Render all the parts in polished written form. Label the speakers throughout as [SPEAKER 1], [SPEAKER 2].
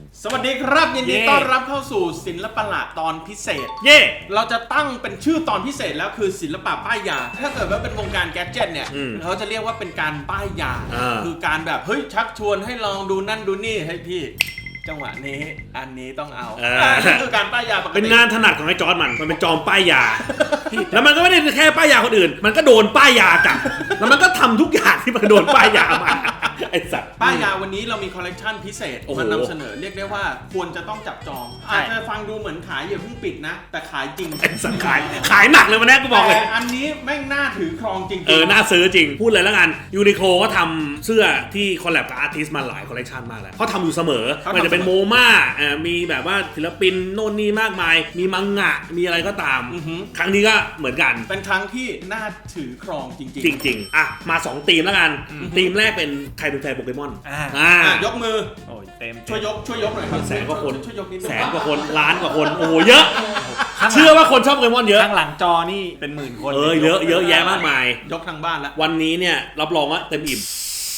[SPEAKER 1] สวัสดีครับยินดีต้อนรับเข้าสู่ศิลปะตอนพิเศษเราจะตั้งเป็นชื่อตอนพิเศษแล้วคือศิลปะป้ายยาถ้าเกิดว่าเป็นวงการแกดเจ็ตเนี่ยเขาจะเรียกว่าเป็นการป้ายยาคือการแบบเฮ้ยชักชวนให้ลองดูนั่นดูนี่ให้พี่จังหวะนี้อันนี้ต้องเอาคือการป้ายยาปกติ
[SPEAKER 2] เป็นงานถนัดของไอ้จอร์ดมันเป็นจอมป้ายยาแล้วมันก็ไม่ได้แค่ป้ายยาคนอื่นมันก็โดนป้ายยาจับแล้วมันก็ทำทุกอย่างที่มันโดนป้ายยามาไอ้สัตว์
[SPEAKER 1] ป้ายยาวันนี้เรามีคอลเลกชันพิเศษมานำเสนอเรียกได้ว่าควรจะต้องจับจองอาจจะฟังดูเหมือนขายอย่าเพิ่งปิดนะแต่ขายจริง
[SPEAKER 2] ไอ้สัตว์ขายหนักเลยวันนี้กูบอกเลย
[SPEAKER 1] อันนี้แม่งน่าถือครองจริง
[SPEAKER 2] น่าซื้อจริงพูดเลยแล้วกันยูนิโคลก็ทำเสื้อที่คอลแลบกับอาร์ติสต์มาหลายคอลเลกชันมากแล้วเขาทำอยู่เสมอมันจะเป็นโมม่ามีแบบว่าศิลปินโน่นนี่มากมายมีมังงะมีอะไรก็ตามครั้งนี้ก็เหมือนกัน
[SPEAKER 1] เป็นครั้งที่น่าถือครองจ
[SPEAKER 2] ริงอ่ะมา2ธีมแล้วกันธีมแรกเป็นใครเป็นแฟนโปเกมอน
[SPEAKER 1] ยกมือ
[SPEAKER 3] โอ้ยเต็ม
[SPEAKER 1] ช่วยยกหน่อยครับ
[SPEAKER 2] แสนกว่าคน
[SPEAKER 1] ช่วยยกนิดนึง
[SPEAKER 2] แสนกว่าคนล้านกว่าคนโอ้เยอะเชื่อว่าคนชอบโปเกมอนเยอะ
[SPEAKER 3] ข้างหลังจอนี่เป็นหมื่นคน
[SPEAKER 2] เยอะแยะมากมาย
[SPEAKER 1] ยกทางบ้านแล้ว
[SPEAKER 2] วันนี้เนี่ยรับรองว่าเต็มอิ่ม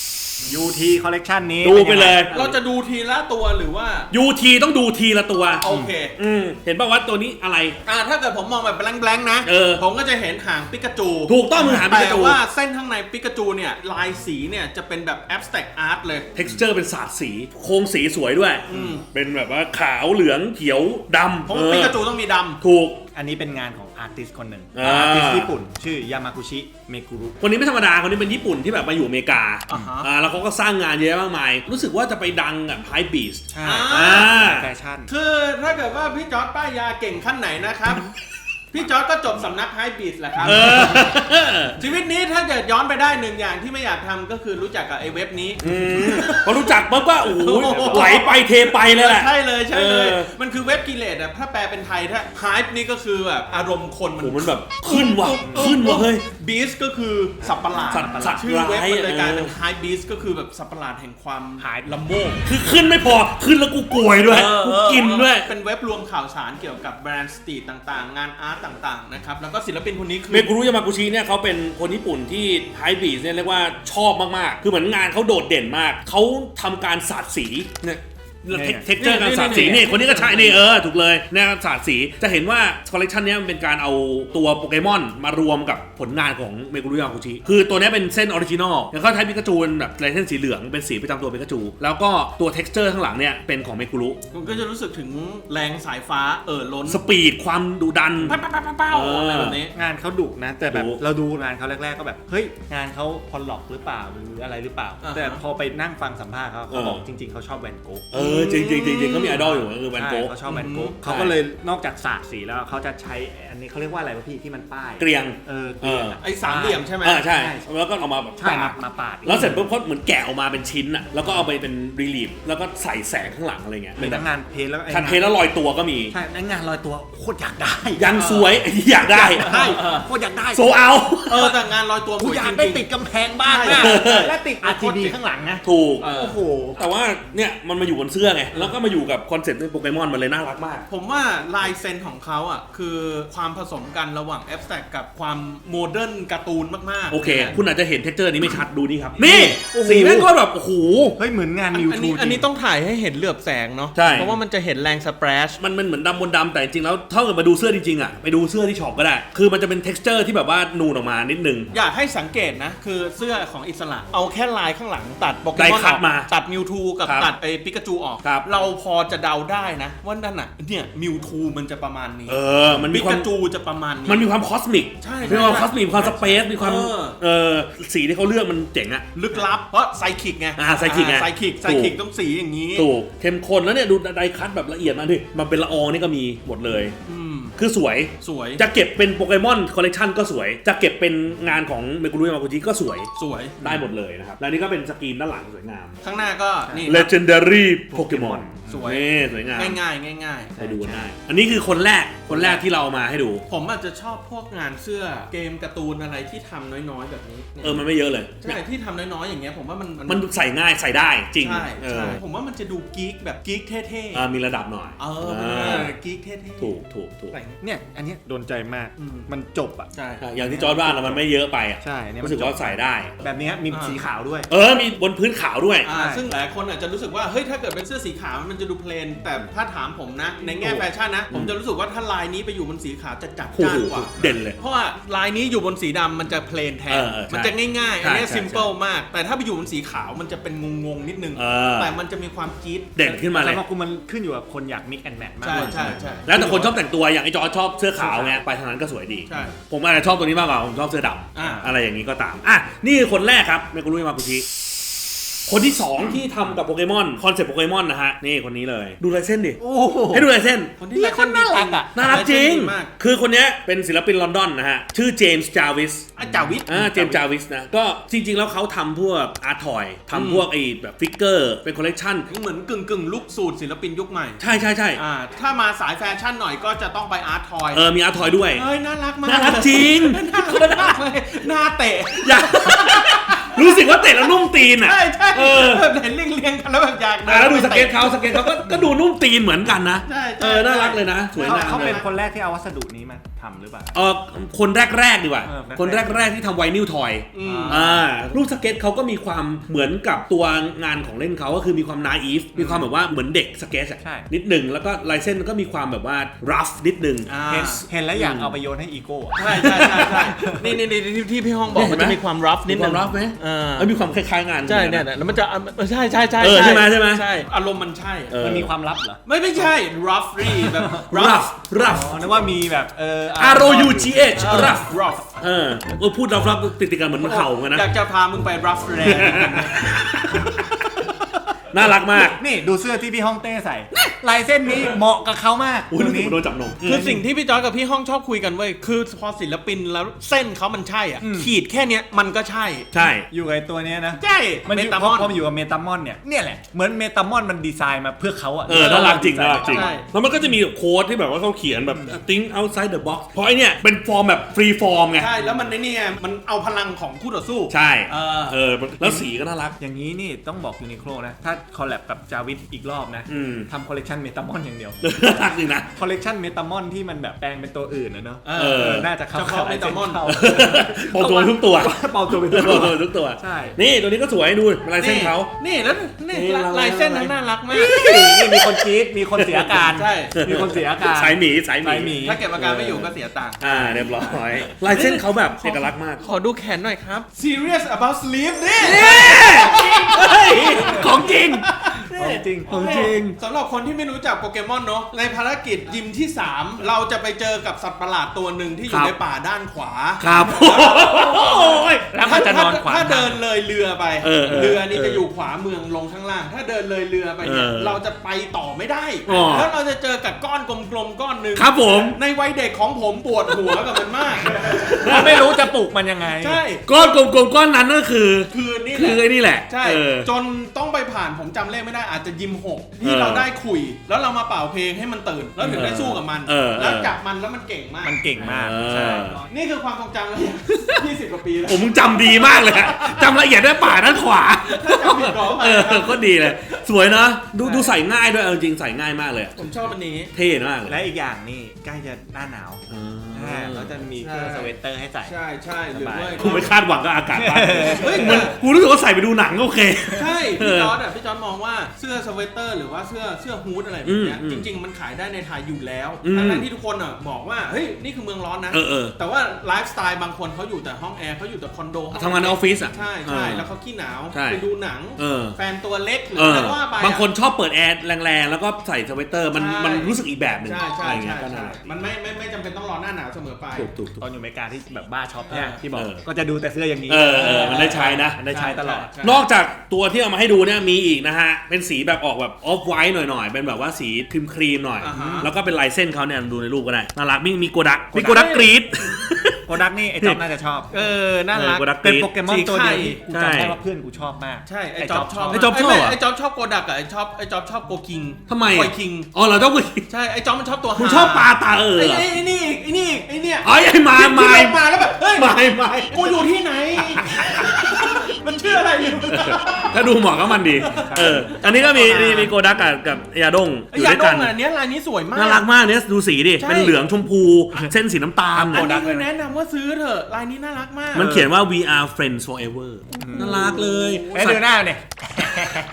[SPEAKER 3] UT คอลเลกชันนี้
[SPEAKER 2] ดูไปเลย
[SPEAKER 1] เราจะดูทีละตัวหรือว่า
[SPEAKER 2] UT ต้องดูทีละตัว
[SPEAKER 1] โอเค
[SPEAKER 2] เห็นป่าวว่าตัวนี้อะไร
[SPEAKER 1] ถ้าเกิดผมมองแบบแบงค์ๆนะผมก็จะเห็นหางปิกาจู
[SPEAKER 2] ถูกต้องมือหางปิกาจู
[SPEAKER 1] แต่ว่าเส้นข้างในปิกาจูเนี่ยลายสีเนี่ยจะเป็นแบบ abstract art เลย
[SPEAKER 2] texture เป็นศาสตร์สีโครงสีสวยด้วยเป็นแบบว่าขาวเหลืองเขียวดำ
[SPEAKER 1] เพราะปิกาจูต้องมีดำ
[SPEAKER 2] ถูก
[SPEAKER 3] อันนี้เป็นงานของอาร์ติสต์คนหนึ่งอาร์ติสต์ญี่ปุ่นชื่อยามากุชิเมกุรุ
[SPEAKER 2] คนนี้ไม่ธรรมดาคนนี้เป็นญี่ปุ่นที่แบบมาอยู่อเมริกาแล้วเขาก็สร้างงานเยอะมากมายรู้สึกว่าจะไปดังกับไฮบีส
[SPEAKER 3] ใช่แฟชั่น
[SPEAKER 1] คือถ้าเกิดว่าพี่จอร์จป้ายยาเก่งขั้นไหนนะครับพี่จอร์จก็จบสำนักไฮบีสแหละครับชีวิตนี้ถ้าเกิดย้อนไปได้หนึ่งอย่างที่ไม่อยากทำก็คือรู้จักกับไอ้เว็บนี้
[SPEAKER 2] พอรู้จักปุ๊บก็โอ้โหไหลไปเทไปเลยแหละ
[SPEAKER 1] ใช่เลยมันคือเว็บกิเลสอะถ้าแปลเป็นไทยถ้าไฮป์นี่ก็คือแบบอารมณ์คน
[SPEAKER 2] มันแบบขึ้นว่ะเฮ้ย
[SPEAKER 1] บีสก็คือสัตว์ประหลาดชื่อเว็บมันเลยกลายเป็นไฮบีสก็คือแบบสัตว์ประหลาดแห่งความ
[SPEAKER 3] หาย
[SPEAKER 1] ละโมบ
[SPEAKER 2] คือขึ้นไม่พอขึ้นแล้วกูกลวยด้วยกูกินด้วย
[SPEAKER 1] เป็นเว็บรวมข่าวสารเกี่ยวกับแบรนด์สตรีทต่างๆงานอาร์ตต่างๆนะครับแล้วก็ศิลปินคนนี้คือ
[SPEAKER 2] เมกุรุยามากุชิเนี่ยเขาเป็นคนญี่ปุ่นที่ไฮบีสเนี่ยเรียกว่าชอบมากๆคือเหมือนงานเขาโดดเด่นมากเขาทำการสาดสีเนี่ยเท็กเจอร์การสาดสีนี่คนนี้ก็ใช่นี่ถูกเลยเนี่ยสาดสีจะเห็นว่าคอลเลกชันนี้มันเป็นการเอาตัวโปเกมอนมารวมกับผลงานของเมกุรุยามากุชิคือตัวนี้เป็นเส้นออริจินอลแล้วก็ใช้ปิกาจูแบบลายเส้นสีเหลืองเป็นสีประจำตัวปิกาจูแล้วก็ตัวเท็กเจอร์ข้างหลังเนี่ยเป็นของเมกุรุ
[SPEAKER 1] มันก็จะรู้สึกถึงแรงสายฟ้าล้น
[SPEAKER 2] สปีดความดุดัน
[SPEAKER 1] เป้าอะไรแบบนี้
[SPEAKER 3] งานเขาดุนะแต่แบบเราดูงานเขาแรกๆก็แบบเฮ้ยงานเขาพอลล็อกหรือเปล่าหรืออะไรหรือเปล่าแต่พอไปนั่งฟังสัมภาษณ์เขาบอกจริงๆเขาชอบแวนโก๊
[SPEAKER 2] จริงเขามีไอดอลอยู่ก็คือแวนโก๊
[SPEAKER 3] เขาชอบแวนโก๊เขาก็เลยนอกจากสาดสีแล้วเขาจะใช้อันนี้เขาเรียกว่าอะไรวะพี่ที่มันป้าย
[SPEAKER 2] เกลียง
[SPEAKER 3] เกลียง
[SPEAKER 1] ไอ้สามเหลี่ยมใช่ไหม
[SPEAKER 2] ใช่แล้วก็เอามาแบบ
[SPEAKER 3] มาปาด
[SPEAKER 2] แล้วเสร็จปุ๊บเขาเหมือนแกะออกมาเป็นชิ้นอ่ะแล้วก็เอาไปเป็นรีลีฟแล้วก็ใส่แสงข้างหลังอะไรเงี้ย
[SPEAKER 3] เป็นงานเพลแล้ว
[SPEAKER 2] เพลแล้วลอยตัวก็มี
[SPEAKER 3] ใช่งานลอยตัวโคตรอยากได้
[SPEAKER 2] ยังสวยอยากได้
[SPEAKER 3] โคตรอยากได้
[SPEAKER 2] โซเอา
[SPEAKER 1] แต่งานลอยตัว
[SPEAKER 3] อยากได้ติดกำแพงบ้านและติด RGB ข้างหลังนะ
[SPEAKER 2] ถูก
[SPEAKER 3] โอ้โห
[SPEAKER 2] แต่ว่าเนี่ยมันมาอยู่บนเสื้อไงแล้วก็มาอยู่กับคอนเซ็ปต์โปเกมอนมันเลยน่ารักมาก
[SPEAKER 1] ผมว่าลายเซ็นของเขาอ่ะคือความผสมกันระหว่างแอบสแตรกกับความโมเดิร์นการ์ตูนมากๆ
[SPEAKER 2] โอเคคุณอาจจะเห็นเท็กเจอร์นี้ไม่ชัดดูนี่ครับนี่สีแม่งก็แบบโอ้โห
[SPEAKER 3] เฮ้ยเหมือนงานมิวทู
[SPEAKER 1] อันนี้ต้องถ่ายให้เห็นเหลือบแสงเนาะเพราะว่ามันจะเห็นแรงสเปรช
[SPEAKER 2] มันเหมือนดำบนดำแต่จริงแล้วถ้าเกิดมาดูเสื้อจริงๆอ่ะไปดูเสื้อที่ช็อปก็ได้คือมันจะเป็นเท็กเจอร์ที่แบบว่านูนออกมานิดนึง
[SPEAKER 1] อยากให้สังเกตนะคือเสื้อของอิสระเอาแค่ลายข้างหลังตัดโปเกมอน
[SPEAKER 2] มา
[SPEAKER 1] ตัดมิวทูกับตัดไอ้ปิกาจูออกเราพอจะเดาได้นะว่านั่นน่ะเนี่ยมิวทูมันจะประมาณนี้
[SPEAKER 2] มันมี
[SPEAKER 1] ปิกาจูจะประมาณนี้
[SPEAKER 2] มันมีความคอสมิก
[SPEAKER 1] ใช่
[SPEAKER 2] มีความคอสมิกความสเปซมีความสีที่เขาเลือกมันเจ๋งอะ
[SPEAKER 1] ลึกลับเพราะไซคิกไง
[SPEAKER 2] ไซคิ
[SPEAKER 1] กต้องสีอย่างนี้
[SPEAKER 2] ถูกเข้มข้นแล้วเนี่ยดูไดคัทแบบละเอียดมากดิมันเป็นละอองนี่ก็มีหมดเลยคือสวยจะเก็บเป็นโปเกมอนคอลเลกชันก็สวยจะเก็บเป็นงานของเมกุรุยามากุชิก็สวยได้หมดเลยนะครับแล้วนี่ก็เป็นสกรีนด้านหลังสวยงาม
[SPEAKER 1] ข้างหน้าก็นี่
[SPEAKER 2] Legendary Pokemon
[SPEAKER 1] สวย
[SPEAKER 2] สวยงาม
[SPEAKER 1] ง่าย
[SPEAKER 2] ไปดูง่ายอันนี้คือคนแรกที่เรามาให้ดู
[SPEAKER 1] ผมอาจจะชอบพวกงานเสื้อเกมการ์ตูนอะไรที่ทำน้อยๆแบบนี้
[SPEAKER 2] มันไม่เยอะเลย
[SPEAKER 1] ใช่ที่ทำน้อยๆอย่างเงี้ยผมว่า
[SPEAKER 2] มันใส่ง่ายใส่ได้จริง
[SPEAKER 1] ใช่ผมว่ามันจะดูกิ๊กแบบกิ๊กเท่
[SPEAKER 2] ๆมีระดับหน่อย
[SPEAKER 1] กิ๊กเท่
[SPEAKER 2] ๆถูก
[SPEAKER 3] เนี่ยอันนี้โดนใจมากมันจบอ่ะ
[SPEAKER 1] ใช่
[SPEAKER 2] อย่างที่จอร์จว่ามันไม่เยอะไปอ่ะ
[SPEAKER 3] ใช่
[SPEAKER 2] รู้สึกว่าใส่ได้
[SPEAKER 3] แบบนี้มีสีขาวด้วย
[SPEAKER 2] มีบนพื้นขาวด้วย
[SPEAKER 1] ซึ่งหลายคนอาจจะรู้สึกว่าเฮ้ยถ้าเกิดเป็นเสื้อสีขาวมันจะดูเพลนแต่ถ้าถามผมนะในแง่แฟชั่นนะผมจะรู้สึกว่าถ้าลายนี้ไปอยู่บนสีขาวจะจัดจ้านกว่า
[SPEAKER 2] เด่นเลย
[SPEAKER 1] เพราะว่าลายนี้อยู่บนสีดำมันจะเพลนแทนมันจะง่ายๆอันนี้ซิมเปิลมากแต่ถ้าไปอยู่บนสีขาวมันจะเป็นงงๆนิดนึงแต่มันจะมีความจี๊ด
[SPEAKER 2] เด่นขึ้นมาเลย
[SPEAKER 3] สำหรับกูมันขึ้นอยู่กับคนอยากมิกแอนด์แมทมาก
[SPEAKER 1] ใช่
[SPEAKER 2] แล้วแต่คนชอบแต่งตัวอย่างไอ้จอชอบเสื้อขาวไงไปทางนั้นก็สวยดีผมอาจจะชอบตัวนี้มากกว่าผมชอบเสื้อดำอะไรอย่างนี้ก็ตามนี่คนแรกครับเมกุรุมากุชิคนที่ 2 ที่ทำกับโปเกมอนคอนเซ็ปต์โปเกมอนนะฮะนี่คนนี้เลยดูลายเส้นดิให้ดูลายเส้น
[SPEAKER 1] คนที่คนน่ารักอ่ะ
[SPEAKER 2] น่ารักจริงคือคนนี้เป็นศิลปินลอนดอนนะฮะชื่อเจมส์จาวิส
[SPEAKER 1] จาวิส
[SPEAKER 2] เจมส์จาวิสนะก็จริงๆแล้วเขาทำพวกอาร์ทอยทำพวกไอ้แบบฟิกเกอร์เป็นคอลเลกชัน
[SPEAKER 1] เหมือนกึ่งลุคสูตรศิลปินยุคใหม่
[SPEAKER 2] ใช่
[SPEAKER 1] ถ้ามาสายแฟชั่นหน่อยก็จะต้องไปอาร์ทอย
[SPEAKER 2] มีอาร์ทอยด้วย
[SPEAKER 1] น่ารักมาก
[SPEAKER 2] น่ารักจริง
[SPEAKER 1] น่ารักเลยหน้าเตะ
[SPEAKER 2] รู้สึกว่าเตะแล้วนุ่มตีนอ่ะ
[SPEAKER 1] ใช่เห็นเรียงกันแล้วแบบอยาก
[SPEAKER 2] แล้วดูสเก็ตเขาก็ดูนุ่มตีนเหมือนกันนะน่ารักเลยนะสวยงาม
[SPEAKER 3] เขาเป็นคนแรกที่เอาวัสดุนี้มาทำหรือเปล่า
[SPEAKER 2] คนแรกดีกว่าคนแรกที่ทำไวนิลทอยรูปสเก็ตเขาก็มีความเหมือนกับตัวงานของเล่นเขาก็คือมีความนาอีฟมีความแบบว่าเหมือนเด็กสเก็ตนิดหนึ่งแล้วก็ลายเส้นก็มีความแบบว่ารัฟนิดหนึ่ง
[SPEAKER 3] เห็นแล้วอยากเอาไปโยนให้อีโก้
[SPEAKER 1] ใช่นี่ที่พี่ห้องบอกมันจะมีความรัฟนิดนึง
[SPEAKER 2] รัฟไหมมีความคล้ายๆงาน
[SPEAKER 1] ใช่เนี่ยแล้วมันจะใช่
[SPEAKER 2] ใช่ไหม
[SPEAKER 1] อารมณ์มันใช่
[SPEAKER 3] มันมีความลับเหรอ
[SPEAKER 1] ไม่ใช่ roughy แบบ
[SPEAKER 2] rough
[SPEAKER 3] นึกว่ามีแบบ
[SPEAKER 2] ROUGH rough พูด rough ติดกันเหมือนมันเข่าเหมือนกันนะ
[SPEAKER 1] อยากจะพามึงไป rough แรง
[SPEAKER 2] น่ารักมาก
[SPEAKER 3] นี่ดูเสื้อที่พี่ฮ่องเต้ใส่ลายเส้นนี้เหมาะกับเขามาก
[SPEAKER 2] ตัวนี้โดนจับนม
[SPEAKER 1] คือสิ่งที่พี่จอร์จกับพี่ฮ่องชอบคุยกันเว้ยคือพอศิลปินแล้วเส้นเขามันใช่อ่ะขีดแค่เนี้ยมันก็ใช่
[SPEAKER 3] อยู่กับตัวนี้นะ
[SPEAKER 1] ใช่
[SPEAKER 3] เมตามอนพออยู่กับเมตามอนเนี่ยแหละเหมือนเมตามอนมันดีไซน์มาเพื่อเขาอ่ะ
[SPEAKER 2] น่ารักจริงแล้วมันก็จะมีโค้ดที่แบบว่าเขาเขียนแบบ think outside the box เพราะไอเนี่ยเป็นฟอร์มแบบฟรีฟอร์มไง
[SPEAKER 1] ใช่แล้วมันนี่ไงมันเอาพลังของคู่ต่อสู้
[SPEAKER 2] ใช่แล้วสีก็น่ารัก
[SPEAKER 3] อย่างนี้นี่ต้องบอกยูนิโคลนะถ้าคอลแลบกับจาวิสอีกรอบนะทำคอลเลกชันเมตามอนอย่างเดียว
[SPEAKER 2] รักจริงนะ
[SPEAKER 3] คอลเลกชันเมตามอนที่มันแบบแปลงเป็นตัวอื่นนะเนาะน่าจะเข้า
[SPEAKER 1] เมตามอน
[SPEAKER 2] เป่าตัวทุกตัว
[SPEAKER 3] เป่าตัวเป็น
[SPEAKER 2] ทุกตัว
[SPEAKER 3] ใช่
[SPEAKER 2] นี่ตัวนี้ก็สวยดูลายเส้นเขา
[SPEAKER 1] นี่แล้วนี่ลายเส้นน่ารักมาก
[SPEAKER 3] นี่มีคนกรี๊ดมีคนเสียอาการ
[SPEAKER 1] ใช่
[SPEAKER 3] มีคนเสียอาการ
[SPEAKER 2] สายหมี
[SPEAKER 1] ถ้าเก็บอาการไม่อยู่ก็เสียตังค์
[SPEAKER 2] เรียบร้อยลายเส้นเขาแบบเอกลักษณ์มาก
[SPEAKER 1] ขอดูแขนหน่อยครับ Serious about sleep นี่
[SPEAKER 2] ของจริง
[SPEAKER 1] สำหรับคนที่ไม่รู้จักโปเกมอนเนาะในภารกิจยิมที่3เราจะไปเจอกับสัตว์ประหลาดตัวหนึ่งที่อยู่ในป่าด้านขวา
[SPEAKER 2] ครับ
[SPEAKER 1] แล้วมันจะนอนขวาถ้าเดินเลยเรือไปเรือนี่จะอยู่ขวาเมืองลงข้างล่างถ้าเดินเลยเรือไปเนี่ยเราจะไปต่อไม่ได้แล้วเราจะเจอกับก้อนกลมๆก้อนนึง
[SPEAKER 2] ครับผม
[SPEAKER 1] ในวัยเด็กของผมปวดหัวกับมันมาก
[SPEAKER 3] ไม่รู้จะปลูกมันยังไง
[SPEAKER 1] ใช่
[SPEAKER 2] ก้อนกลมๆก้อนนั้นก็คือนี่แหละ
[SPEAKER 1] ใช่จนต้องไปผ่านผมจำเลขไม่ได้อาจจะยิม6ที่เราได้คุยแล้วเรามาเป่าเพลงให้มันตื่นแล้วถึงได้สู้กับมันแล้วจับมันแล้วมันเก่งมากใช่นี่คือความทรงจำเลย20 กว่าปีแล้ว
[SPEAKER 2] ผมจำดีมากเลยจำละเอียดได้ป่าด้านขวาก็ดีเลยสวยนะดูใส่ง่ายด้วยจริงใส่ง่ายมากเลย
[SPEAKER 1] ผมชอบอันนี้
[SPEAKER 2] เท่มากเลย
[SPEAKER 3] และอีกอย่างนี่ใกล้จะหน้าหนาวแล้วจะมีเครื่องสเวตเตอร์ให้ใส่
[SPEAKER 1] ใช่หรือว่า
[SPEAKER 2] กูไม่คาดหวังกับอากาศบ้างกูรู้สึกว่าใส่ไปดูหนังก็โอเค
[SPEAKER 1] ใช่พี่จอร์จมองว่าเสื้อสเวตเตอร์หรือว่าเสื้อฮูดอะไรแบบนี้จริงๆมันขายได้ในไทยอยู่แล้วทั้งที่ทุกคนบอกว่าเฮ้ยนี่คือเมืองร้อนนะแต่ว่าไลฟ์สไตล์บางคนเขาอยู่แต่ห้องแอร์เขาอยู่แต่คอนโด
[SPEAKER 2] ทำงานในออฟฟิศ
[SPEAKER 1] ใช่แล้วเขาขี้หนาวไปดูหนังแฟนตัวเล็กหรืออะไรว่าไป
[SPEAKER 2] บางคนชอบเปิดแอร์แรงๆแล้วก็ใส่สเวตเตอร์มันรู้สึกอีกแบบนึง
[SPEAKER 1] อะไรเงี้ยมันไม่จำเป็นต้องรอหน้าหนาวเสมอไป
[SPEAKER 3] ตอนอยู่อเมริกาที่แบบบ้าช็อปเนี่ยที่บอกก็จะดูแต่เสื้ออย่างนี้
[SPEAKER 2] มันได้ใช้นะ
[SPEAKER 3] ได้ใช้ตลอด
[SPEAKER 2] นอกจากตัวที่เอามาให้ดูเนี่ยมีอีกนะฮะเป็นสีแบบออกแบบออฟไวท์หน่อยๆเป็นแบบว่าสีครีมหน่อยแล้วก็เป็นลายเส้นเขาเนี่ยดูในรูปก็ได้น่ารักมีโกดักกรีด
[SPEAKER 3] โกดักนี่ไอ้จ๊อบน่าจะชอบ
[SPEAKER 1] น่ารัก
[SPEAKER 3] เป็นโปเกมอนตัวเดียวที่กูจำได้ว่าเพื่อนกูชอบมาก
[SPEAKER 1] ใช่ไอ้จ๊อบชอบไอ้จ๊อบชอบโกดักกับไอ้จ๊อบชอบโกคิง
[SPEAKER 2] ทำไม
[SPEAKER 1] โกคิง
[SPEAKER 2] เราชอบ
[SPEAKER 1] ใช่ไอ้จ๊อบมันชอบตัว
[SPEAKER 2] คุณชอบปลาตา
[SPEAKER 1] ไอ้เนี่ย
[SPEAKER 2] ไอ้มา
[SPEAKER 1] แล้วแบบเฮ้ย
[SPEAKER 2] มา
[SPEAKER 1] กูอยู่ที่ไหนมันชื่ออะไรอยู่
[SPEAKER 2] ถ้าดูเหมาะก็มันดีอันนี้ก็มีโกดักกับยาดงอยู่ด้วยกัน
[SPEAKER 1] อันนี้ลายนี้สวยมาก
[SPEAKER 2] น่ารักมากเนี่ยดูสีดิเป็นเหลืองชมพูเส้นสีน้ำตาล
[SPEAKER 1] โกดักแนะนำว่าซื้อเถอะลายนี้น่ารักมาก
[SPEAKER 2] มันเขียนว่า we are friends forever น่ารักเลย
[SPEAKER 3] ดูหน้าเนี่ย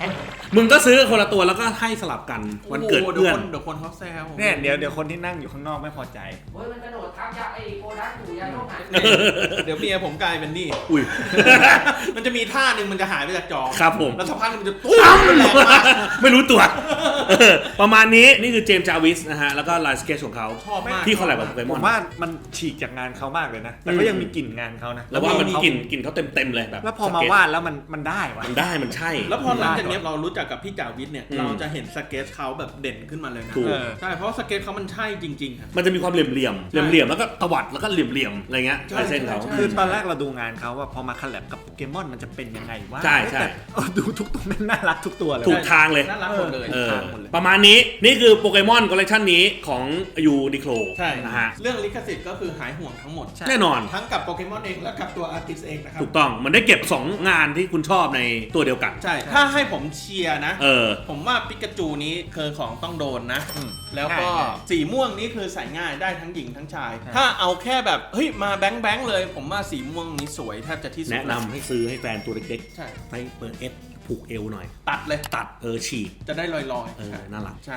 [SPEAKER 2] มึงก็ซื้อคนละตัวแล้วก็ให้สลับกันวันเกิดเพื่อน
[SPEAKER 1] เดี๋ยวคนเขาแซว
[SPEAKER 3] เนี่ยเดี๋ยวคนที่นั่งอยู่ข้างนอกไม่พอใจ
[SPEAKER 4] โอ้ยมันกระโดดทับยาไอ้โกดักอยู่ยาโรคหาย
[SPEAKER 1] เดี๋ยวเมียผมกลายเป็นนี่
[SPEAKER 2] อุ้ย
[SPEAKER 1] มันจะมีท่าหนึ่งมันจะหายไปจากจอ
[SPEAKER 2] ครับผม
[SPEAKER 1] แล้วสักพักมันจะตุ้มมันแรงมาก
[SPEAKER 2] ไม่รู้ตัวประมาณนี้นี่คือเจมส์จาวิสนะฮะแล้วก็ลายสเกจของเขา
[SPEAKER 1] ชอบมาก
[SPEAKER 2] ที่คอลแลบกับโปเก
[SPEAKER 3] ผม ม
[SPEAKER 2] อน
[SPEAKER 3] ว่ามันฉีกจากงานเขามากเลยนะ แต่ก็ยังมีกลิ่นงานเขานะ
[SPEAKER 2] แล้วว่ามันกลิ่นเขาเต็มเลยแบบ
[SPEAKER 3] แล้วพอมา
[SPEAKER 2] สเก็ต
[SPEAKER 3] วาดแล้วมันได้วะ
[SPEAKER 2] มันได้มันใช่
[SPEAKER 1] แล้วพอหลังจากนี้เรารู้จักกับพี่จาวิทเนี่ย
[SPEAKER 2] อืม
[SPEAKER 1] เราจะเห็นสเก็ตเขาแบบเด่นขึ้นมาเลยนะ
[SPEAKER 2] ถูก
[SPEAKER 1] ใช่เพราะสเก็ตเขามันใช่จริงๆครับ
[SPEAKER 2] มันจะมีความเหลี่ยมแล้วก็ตวัดแล้วก็เหลี่ยมอะไรเงี้ย
[SPEAKER 1] ใช่
[SPEAKER 2] ลายเส้นเขา
[SPEAKER 1] ใช่
[SPEAKER 3] คือตอนแรกเราดูงานเขาว่าพอมาคอลแลบกับโปเกมอนมันจะเป็นยังไงวะ
[SPEAKER 2] ใช่
[SPEAKER 3] แต่ดูทุกตัวมันน่ารักทุกตัวเลย
[SPEAKER 2] ถูกทางเลย
[SPEAKER 1] น่ารักหมดเลย
[SPEAKER 2] เออ
[SPEAKER 1] ทางหมดเลย
[SPEAKER 2] ประมาณนี้นี่คือโปเกมอนคอลเลคชันนี้ของยูนิโคล
[SPEAKER 1] ใช่
[SPEAKER 2] นะฮะ
[SPEAKER 1] เรื่องลิขสิทธิ์ก็คือหายห่วงทั้งหมด
[SPEAKER 2] แน่นอน
[SPEAKER 1] ทั้งกับโปเกมอนเองและกับตัวอาร์ติสเองนะครับ
[SPEAKER 2] ถูกต้องมันได้เก็บ 2 งานที่คุณชอบในตัวเดียวกัน
[SPEAKER 1] ใช่ ถ้าให้ผมเชียร์นะ
[SPEAKER 2] เออ
[SPEAKER 1] ผมว่าปิกาจูนี้คือของต้องโดนนะ
[SPEAKER 3] อืม
[SPEAKER 1] แล้วก็
[SPEAKER 3] ง่าย
[SPEAKER 1] สีม่วงนี้คือใส่ง่ายได้ทั้งหญิงทั้งชาย ถ้าเอาแค่แบบเฮ้ยมาแบงค์เลย ผมว่าสีม่วงนี้สวยแทบจะที่สุด
[SPEAKER 2] แนะนำให้ซื้อให้แฟนตัวเล็ก
[SPEAKER 1] ใช่
[SPEAKER 2] ๆไปเปิดเอสผูกเอวหน่อย
[SPEAKER 1] ตัดเลย
[SPEAKER 2] ตัดฉีก
[SPEAKER 1] จะได้ลอยๆ
[SPEAKER 2] เออ
[SPEAKER 1] ใช่
[SPEAKER 2] น่ารัก
[SPEAKER 1] ใช่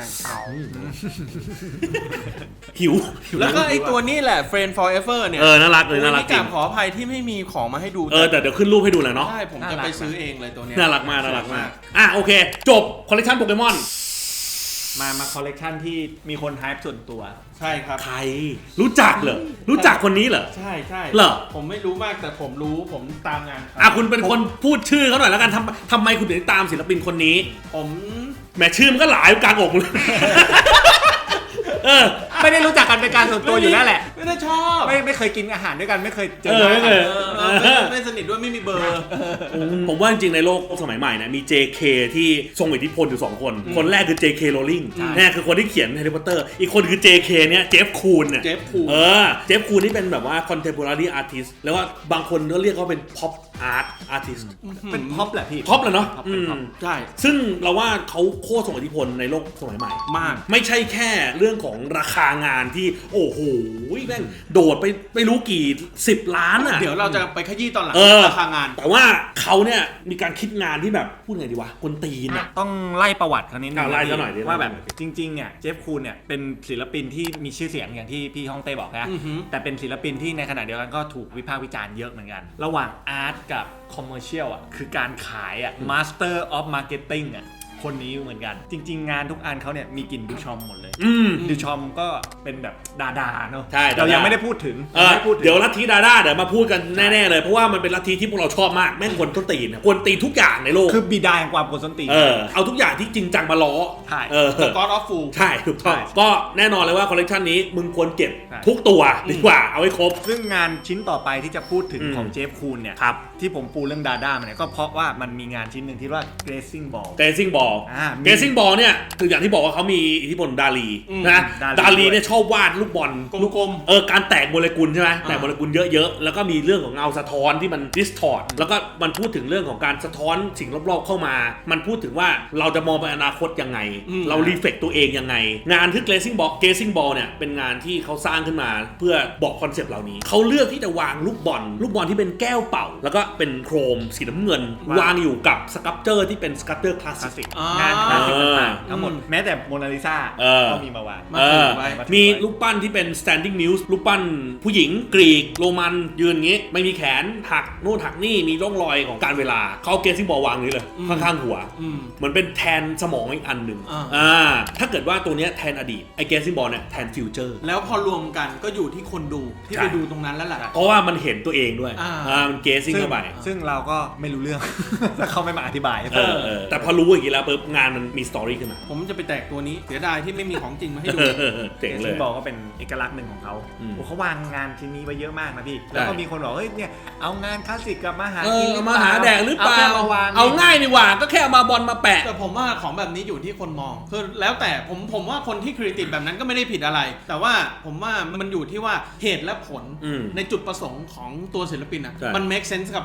[SPEAKER 2] หิว
[SPEAKER 1] แล้วก็ไอตัวนี้แหละ Friend Forever เนี่ย
[SPEAKER 2] เออน่ารักเลยน่ารัก
[SPEAKER 1] นี่
[SPEAKER 2] จริ
[SPEAKER 1] กาง รขออภัยที่ไม่มีของมาให้ดู
[SPEAKER 2] แต่เดี๋ยวขึ้นรูปให้ดูแหละเนาะ
[SPEAKER 1] ใช่ผมจะไปซื้อเองเลยตัวเนี้ย
[SPEAKER 2] น่ารักมากอ่ะโอเค จบคอลเลคชันโปเกมอน
[SPEAKER 3] มาคอลเลกชันที่มีคนไฮป์ส่วนตัว
[SPEAKER 1] ใช่ครับ
[SPEAKER 2] ใครรู้จักเหรอรู้จักคนนี้เหรอ
[SPEAKER 1] ใช่ใช่
[SPEAKER 2] เหรอ
[SPEAKER 1] ผมไม่รู้มากแต่ผมรู้ผมตามงานเขา
[SPEAKER 2] อ่ะคุณเป็นคนพูดชื่อเขาหน่อยแล้วกันทำไมคุณถึงตามศิลปินคนนี้
[SPEAKER 1] ผม
[SPEAKER 2] แหมชื่อมันก็หลายกลางอกเลย เออ
[SPEAKER 3] ไม่ได้รู้จักกันเป็นการส่วนตัวอยู่แล้วแหละ
[SPEAKER 1] ไม่ได้ชอบ
[SPEAKER 3] ไม่เคยกินอาหารด้วยกันไม่เคยเจอ
[SPEAKER 2] เออ
[SPEAKER 3] หน้า
[SPEAKER 2] ไม่
[SPEAKER 3] กั
[SPEAKER 2] เคน ย
[SPEAKER 1] ไม่สนิทด้วยไม่มีเบอร์
[SPEAKER 2] ผมว่าจริงๆในโลกสมัยใหม่เนี่ยมี JK ที่ทรงอิทธิพลอยู่ 2 คน คนแรกคือ JK Rowling เนี่ยคือคนที่เขียน Harry Potter อีกคนคือ JK เนี่ยเจฟคูนเนี่ย
[SPEAKER 1] เจฟคูน
[SPEAKER 2] เจฟคูนนี่เป็นแบบว่า contemporary artist แล้วว่าบางคนก็เรียกเขาเป็น pop art artist
[SPEAKER 3] เป็นพ็อปแหละพี่
[SPEAKER 2] pop เลยเนาะ
[SPEAKER 3] pop เป็น pop
[SPEAKER 1] ใช่
[SPEAKER 2] ซึ่งเราว่าเขาโคตรส่งอิทธิพลในโลกสมัยใหม่
[SPEAKER 1] มาก
[SPEAKER 2] ไม่ใช่แค่เรื่องของราคางานที่โอ้โหแม่งโดดไปไม่รู้กี่10 ล้านอ่ะ
[SPEAKER 1] เดี๋ยวเราจะไปขยี้ตอนหลัง
[SPEAKER 2] เออ
[SPEAKER 1] ราคางาน
[SPEAKER 2] แต่ว่าเขาเนี่ยมีการคิดงานที่แบบพูดไงดีวะคนตีนอ่ะ
[SPEAKER 3] ต้องไล่ประวัติเขานิดนึง
[SPEAKER 2] ไล่ซะหน่อยดิ
[SPEAKER 3] ว่าแบบ
[SPEAKER 2] ไล่ซะหน่อย
[SPEAKER 3] จริงๆเนี่ยเจฟคูนเนี่ยเป็นศิลปินที่มีชื่อเสียงอย่างที่พี่ฮ่องเต้บอกนะ
[SPEAKER 1] อือหือ
[SPEAKER 3] แต่เป็นศิลปินที่ในขณะเดียวกันก็ถูกวิพากษ์วิจารณ์เยอะเหมือนกัน ระหว่างอาร์ตกับคอมเมอร์เชียลอ่ะคือการขายอ่ะ Master of Marketing อ่ะคนนี้เหมือนกัน จริง ๆ งานทุกอันเขาเนี่ยมีกลิ่นดูชอมหมดเลย ดูชอมก็เป็นแบบดาเนาะ
[SPEAKER 2] ใช่
[SPEAKER 3] เรายังไม่ได้พูดถึง
[SPEAKER 2] เ
[SPEAKER 3] ไม่ได้พูดถึง
[SPEAKER 2] เดี๋ยวลัทธิดาด้าเดี๋ยวมาพูดกันแน่ๆเลยเพราะว่ามันเป็นลัทธิที่พวกเราชอบมากแม่งควรต้นตีนควรตีทุกอย่างในโลก
[SPEAKER 3] คือบิดาแห่งความกวนส้นตีน
[SPEAKER 2] เอาทุกอย่างที่จริงจังมาล้อ
[SPEAKER 3] ใช่
[SPEAKER 1] God of Fool
[SPEAKER 2] ใช่ถูกต้อง
[SPEAKER 3] ใช่
[SPEAKER 2] ก็แน่นอนเลยว่าคอลเลคชันนี้มึงควรเก็บ
[SPEAKER 3] ใช่
[SPEAKER 2] ทุกตัวดีกว่าเอาไว้ครบ
[SPEAKER 3] ซึ่งงานชิ้นต่อไปที่จะพูดถึง
[SPEAKER 2] อืม
[SPEAKER 3] ของเจฟคูนเนี่ย
[SPEAKER 2] ครับ
[SPEAKER 3] ที่ผมปูเรื่องดาด้ามาเนี่ยก็เพราะว่ามันมีงานชิ้นหนึ่งที่ว่า Gazing Ball
[SPEAKER 2] เกซิ่งบอล
[SPEAKER 3] มี
[SPEAKER 2] เกซิ่งบอลเนี่ยคืออย่างที่บอกว่าเขามีอิทธิพลดาลี
[SPEAKER 1] อืม
[SPEAKER 2] นะ
[SPEAKER 3] ดาลี
[SPEAKER 2] ดาลีเนี่ยชอบวาดลูกบอล
[SPEAKER 1] กลม
[SPEAKER 2] การแตกโมเลกุลใช่ไหมแตกโมเลกุลเยอะๆ แล้วก็มีเรื่องของเงาสะท้อนที่มันดิสทอร์แล้วก็มันพูดถึงเรื่องของการสะท้อนสิ่งรอบๆเข้ามา มันพูดถึงว่าเราจะมองไปอนาคตยังไง เรารีเฟกตัวเองยังไง งานที่เกซิ่งบอลเนี่ยเป็นงานที่เขาสร้างขึ้นมาเพื่อบอกคอนเซปต์เหล่านี้เขาเลือกที่จะวางลูกบอลที่เป็นแก้วเป่า แล้วก็เป็นโครมสีน้ำเงิน วางอยู่กับสครับเจอร์ที่เป็นสครับเจอร์คลาส
[SPEAKER 3] คลาส
[SPEAKER 2] สิ
[SPEAKER 3] สิ
[SPEAKER 2] ก
[SPEAKER 3] ก
[SPEAKER 1] อ่าง
[SPEAKER 3] งานคลาสสิก
[SPEAKER 2] เออ
[SPEAKER 3] ต่างๆทั้งหมดแม้แต่โมนาลิซา
[SPEAKER 2] เออ
[SPEAKER 3] ก็มีมาวาง
[SPEAKER 1] มาถือไว้
[SPEAKER 2] มีรูปปั้นที่เป็น standing news รูปปั้นผู้หญิงกรีกโรมันยืนอย่างงี้ ไม่มีแขนหักโน่นหักนี่มีร่องรอยของการเวลาเขาเกซิ่งบอลวางนี้เลยข้างๆหัว เหมือนเป็นแทนสมองอีกอันหนึ่งถ้าเกิดว่าตัวเนี้ยแทนอดีตไอเกซิ่งบอลเนี่ยแทนฟิวเจอร์
[SPEAKER 1] แล้วพอรวมกันก็อยู่ที่คนดูที่
[SPEAKER 2] ใช่
[SPEAKER 1] ไปดูตรงนั้นแล้วแหละ
[SPEAKER 2] เพราะว่ามันเห็นตัวเองด้วย มันเกซิ่ง
[SPEAKER 3] ซึ่ง
[SPEAKER 2] เข้าไป
[SPEAKER 3] ซึ่งเราก็ไม่รู้เรื่อง ถ้าเขาไม่มาอธิบายให้ฟัง
[SPEAKER 2] แต่พอรู้อย่างนี้แล้วปุ๊บงานมันมีสตอรี่ขึ้นมา
[SPEAKER 1] ผมจะไปแตกตัวนี้เสียดายที่ไม่มีของจริงมาให้ดู
[SPEAKER 2] เจ๋ง
[SPEAKER 3] เก
[SPEAKER 2] เล
[SPEAKER 3] ซิ่
[SPEAKER 2] ย
[SPEAKER 3] งบอลก็เป็นเอกลักษณ์หนึ่งของเขา
[SPEAKER 2] อืม
[SPEAKER 3] โอ้เขาวางงานชิ้นนี้ไว้เยอะมากนะพี่ แล้วก็มีคนบอกเฮ้ยเนี่ยเอางานคลาสสิกกับมาหากิน
[SPEAKER 2] เอามาหาแดกหรือเปล่า
[SPEAKER 3] แค่มาวาง
[SPEAKER 2] เอาง่ายดีกว่าก็แค่เอามาบอลมาแปะ
[SPEAKER 1] แต่ผมว่าของแบบนี้อยู่ที่คนมองคือแล้วแต่ผมว่าคนที่คริติคแบบนั้นก็ไม่ได้ผิดอะไร แต่ว่าผมว่ามันอยู่ที่ว่าเหตุและผล
[SPEAKER 2] อืม
[SPEAKER 1] ในจุดประสงค์ของตัวศิลปินอ่ะ
[SPEAKER 2] ใช่
[SPEAKER 1] มัน make sense กับ